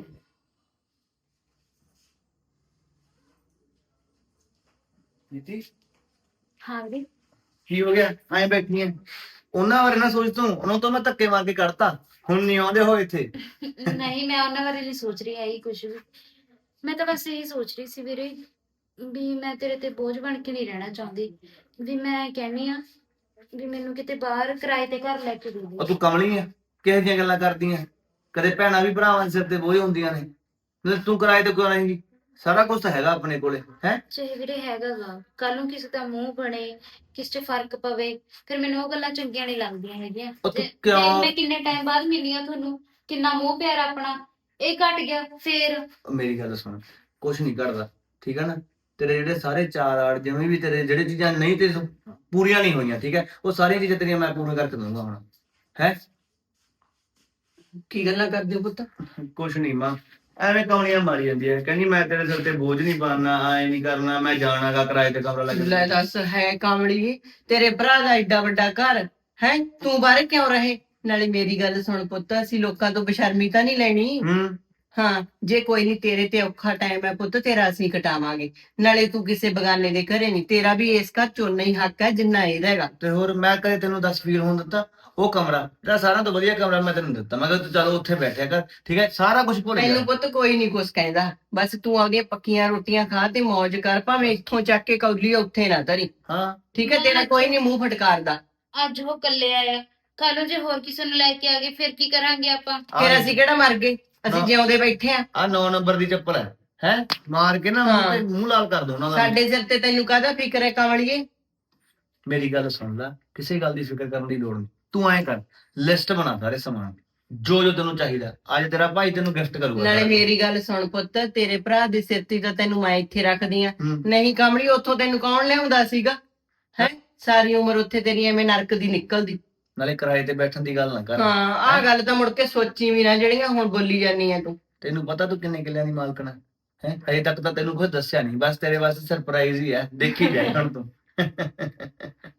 ਨੀਤੀ
ਹਾਂ ਵੀਰੇ।
ਕੀ ਹੋ ਗਿਆ ਐਂ ਬੈਠੀ ਐ? ਉਹਨਾਂ ਬਾਰੇ ਨਾ ਸੋਚ ਤੂੰ, ਉਹਨਾਂ ਤੋਂ ਮੈਂ ਧੱਕੇ ਮਾਰ ਕੇ ਕੱਢਤਾ, ਹੁਣ ਨਹੀਂ ਆਉਂਦੇ ਹੋ ਇੱਥੇ।
ਨਹੀਂ, ਮੈਂ ਉਹਨਾਂ ਬਾਰੇ ਨਹੀਂ ਸੋਚ ਰਹੀ ਆਈ ਕੁਝ ਵੀ। ਮੈਂ ਤਾਂ ਬਸ ਇਹੀ ਸੋਚ ਰਹੀ ਸੀ ਵੀਰੇ ਵੀ ਮੈਂ ਤੇਰੇ ਤੇ ਬੋਝ ਬਣ ਕੇ ਨਹੀਂ ਰਹਿਣਾ ਚਾਹੁੰਦੀ। ਵੀ ਮੈਂ ਕਹਿੰਨੀ ਆ ਵੀ ਮੈਨੂੰ ਕਿਤੇ ਬਾਹਰ ਕਿਰਾਏ ਤੇ ਘਰ ਲੈ ਕੇ ਦੇ ਦੇ।
ਉਹ ਤੂੰ ਕਮਲੀ ਐ, ਕਿਹੋ ਜਿਹੀਆਂ ਗੱਲਾਂ ਕਰਦੀ ਐ? ਕਦੇ ਭੈਣਾਂ ਵੀ ਭਰਾਵਾਂ ਦੇ ਸਿਰ ਤੇ ਬੋਝ ਹੁੰਦੀਆਂ ਨੇ, ਤੇ ਤੂੰ ਕਿਰਾਏ ਤੇ ਕਿਉਂ ਰਹੇਂਗੀ? ਸਾਰਾ ਕੁਝ ਤਾਂ ਹੈਗਾ ਆਪਣੇ ਕੋਲੇ ਹੈ।
ਚਾਹੇ ਵੀਰੇ ਹੈਗਾ ਗਾ, ਕੱਲ ਨੂੰ ਕਿਸੇ ਦਾ ਮੂੰਹ ਬਣੇ, ਕਿਸੇ 'ਚ ਫਰਕ ਪਵੇ, ਫਿਰ ਮੈਨੂੰ ਉਹ ਗੱਲਾਂ ਚੰਗੀਆਂ ਨਹੀਂ ਲੱਗਦੀਆਂ ਹੈਗੀਆਂ।
ਉਹ ਤੂੰ
ਤੇ- ਤੇ
ਕਿਉਂ-
ਮੈਂ ਕਿੰਨੇ ਟਾਈਮ ਬਾਅਦ ਮਿਲੀ ਆ ਤੁਹਾਨੂੰ, ਕਿੰਨਾ ਮੋਹ ਪਿਆਰ ਆਪਣਾ ਇਹ ਘਟ ਗਿਆ ਫੇਰ।
ਮੇਰੀ ਗੱਲ ਸੁਣ, ਕੁਛ ਨਹੀਂ ਕਰਦਾ, ਠੀਕ ਹੈ ਨਾ? ਤੇਰੇ ਜਿਹੜੇ ਸਾਰੇ ਚਾਰ ਆੜ ਜਿਵੇਂ ਵੀ ਤੇਰੇ ਜਿਹੜੇ ਚੀਜ਼ਾਂ ਨਹੀਂ ਤੇ ਪੂਰੀਆਂ ਨਹੀਂ ਹੋਈਆਂ, ਠੀਕ ਹੈ, ਉਹ ਸਾਰੀਆਂ ਚੀਜ਼ਾਂ ਤੇਰੀਆਂ ਮੈਂ ਪੂਰੀਆਂ ਕਰਕੇ ਦਊਂਗਾ ਹੁਣ। ਹੈ
ਕੀ ਗੱਲਾਂ ਕਰਦੇ ਹੋ ਪੁੱਤ?
ਕੁਛ ਨਹੀਂ ਮਾਂ, ਐਵੇਂ ਕੌਣੀਆਂ ਮਾਰੀ ਜਾਂਦੀ ਹੈ, ਕਹਿੰਦੀ ਮੈਂ ਤੇਰੇ ਸਿਰ ਤੇ ਬੋਝ ਨਹੀਂ ਬਣਨਾ, ਐ ਨਹੀਂ ਕਰਨਾ, ਮੈਂ ਜਾਣਾਗਾ ਕਿਰਾਏ ਤੇ ਕਮਰਾ ਲੈ
ਲੈ
ਕੇ।
ਦੱਸ, ਹੈ ਕਾਮੜੀ, ਤੇਰੇ ਭਰਾ ਦਾ ਏਡਾ ਵੱਡਾ ਘਰ ਹੈ, ਤੂੰ ਬਾਹਰ ਕਿਉਂ ਰਹੇ? ਨਾਲੇ ਮੇਰੀ ਗੱਲ ਸੁਣ ਪੁੱਤ, ਅਸੀਂ ਲੋਕਾਂ ਤੋਂ ਬਸ਼ਰਮੀ ਤਾਂ ਨਹੀਂ ਲੈਣੀ।
ਹੂੰ,
ਹਾਂ, ਜੇ ਕੋਈ ਨਹੀਂ ਤੇਰੇ ਤੇ ਔਖਾ ਟਾਈਮ ਹੈ ਪੁੱਤ, ਤੇਰਾ ਅਸੀਂ ਕਟਾਵਾਂਗੇ। ਨਾਲੇ ਤੂੰ ਕਿਸੇ ਬਗਾਨੇ ਦੇ ਘਰੇ ਨਹੀਂ, ਤੇਰਾ ਵੀ ਇਸ ਘਰ ਚੋਂ ਨਹੀਂ ਹੱਕ ਹੈ ਜਿੰਨਾ ਇਹਦਾ ਹੈਗਾ।
ਤੇ ਹੋਰ ਮੈਂ ਕਦੇ ਤੈਨੂੰ ਦਸ ਫੀਲ ਹੋਣ ਦਿੱਤਾ? ਉਹ ਕਮਰਾ ਤੇਰਾ ਸਾਰਿਆਂ ਤੋਂ ਵਧੀਆ ਕਮਰਾ ਮੈਂ ਤੈਨੂੰ ਦਿੱਤਾ, ਮੈਂ ਕਿਹਾ ਤੂੰ ਚਲੋ ਉੱਥੇ ਬੈਠਿਆ ਕਰ, ਠੀਕ ਹੈ, ਸਾਰਾ ਕੁਝ ਭੁੱਲ
ਤੈਨੂੰ
ਜਾ।
ਪੁੱਤ ਕੋਈ ਨਹੀਂ ਕੁਛ ਕਹਿੰਦਾ, ਬਸ ਤੂੰ ਆਪਣੀਆਂ ਪੱਕੀਆਂ ਰੋਟੀਆਂ ਖਾ ਤੇ ਮौज ਕਰ, ਭਾਵੇਂ ਇੱਥੋਂ ਚੱਕ ਕੇ ਕੌਲੀ ਉੱਥੇ ਨਾ ਧਰੀ,
ਹਾਂ,
ਠੀਕ ਹੈ? ਤੇਰਾ ਕੋਈ ਨਹੀਂ ਮੂੰਹ ਫਟਕਾਰਦਾ।
ਅੱਜ ਉਹ ਇਕੱਲੇ ਆਇਆ, ਕੱਲ ਨੂੰ ਜੇ ਹੋਰ ਕਿਸੇ ਨੂੰ ਲੈ ਕੇ ਆ ਗਏ ਫਿਰ ਕੀ ਕਰਾਂਗੇ ਆਪਾਂ?
ਫਿਰ ਅਸੀਂ ਕਿਹੜਾ ਮਰ ਗਏ? ਅਸੀਂ
ਨਾ।
ਜਿਉਂਦੇ ਬੈਠੇ ਆ।
ਆ ਨੌ ਨੰਬਰ ਦੀ ਚੱਪਲ ਹੈ, ਹੈ ਮਾਰ ਕੇ ਨਾ ਮੂੰਹ
ਹਾਂ।
ਤੇ ਮੂੰਹ ਲਾਲ ਕਰ ਦੋ ਉਹਨਾਂ ਦਾ।
ਸਾਡੇ ਸਿਰ ਤੇ ਤੈਨੂੰ ਕਾਹਦਾ ਫਿਕਰ ਹੈ ਕਾਮੜੀਏ?
ਮੇਰੀ ਗੱਲ ਸੁਣ ਲੈ, ਕਿਸੇ ਗੱਲ ਦੀ ਫਿਕਰ ਕਰਨ ਦੀ ਲੋੜ ਨਹੀਂ। ਤੂੰ ਐਂ ਕਰ, ਲਿਸਟ ਬਣਾ ਸਾਰੇ ਸਮਾਨ ਜੋ ਜੋ ਤੈਨੂੰ ਚਾਹੀਦਾ, ਅੱਜ ਤੇਰਾ ਭਾਈ ਤੈਨੂੰ ਗਿਫਟ ਕਰੂਗਾ।
ਨਾਲੇ ਮੇਰੀ ਗੱਲ ਸੁਣ ਪੁੱਤ, ਤੇਰੇ ਭਰਾ ਦੇ ਸਿਰ ਤੇ ਤਾਂ ਤੈਨੂੰ ਮੈਂ ਇੱਥੇ ਰੱਖਦੀ ਆ,
ਹੂੰ।
ਨਹੀਂ ਕਾਮੜੀ ਉੱਥੋਂ ਤੈਨੂੰ ਕੌਣ ਲਿਆਉਂਦਾ ਸੀਗਾ? ਹੈ ਸਾਰੀ ਉਮਰ ਉੱਥੇ ਤੇਰੀ ਐਵੇਂ ਨਰਕ ਦੀ ਨਿਕਲਦੀ।
ਨਾਲੇ ਕਿਰਾਏ ਤੇ ਬੈਠਣ ਦੀ ਗੱਲ ਨਾ ਕਰ।
ਹਾਂ, ਆਹ ਗੱਲ ਤਾਂ ਮੁੜ ਕੇ ਸੋਚੀ ਵੀ ਨਾ ਜਿਹੜੀਆਂ ਹੁਣ ਬੋਲੀ ਜਾਨੀ ਆ ਤੂੰ।
ਤੈਨੂੰ ਪਤਾ ਤੂੰ ਕਿੰਨੇ ਕਿੱਲਿਆਂ ਦੀ ਮਾਲਕਣ ਹੈ? ਹੈ ਹਜੇ ਤੱਕ ਤਾਂ ਤੈਨੂੰ ਕੁਝ ਦੱਸਿਆ ਨਹੀਂ, ਬਸ ਤੇਰੇ ਵਾਸਤੇ ਸਰਪ੍ਰਾਈਜ਼ ਹੀ ਹੈ, ਦੇਖੀ ਜਾਏ ਹੁਣ ਤੂੰ।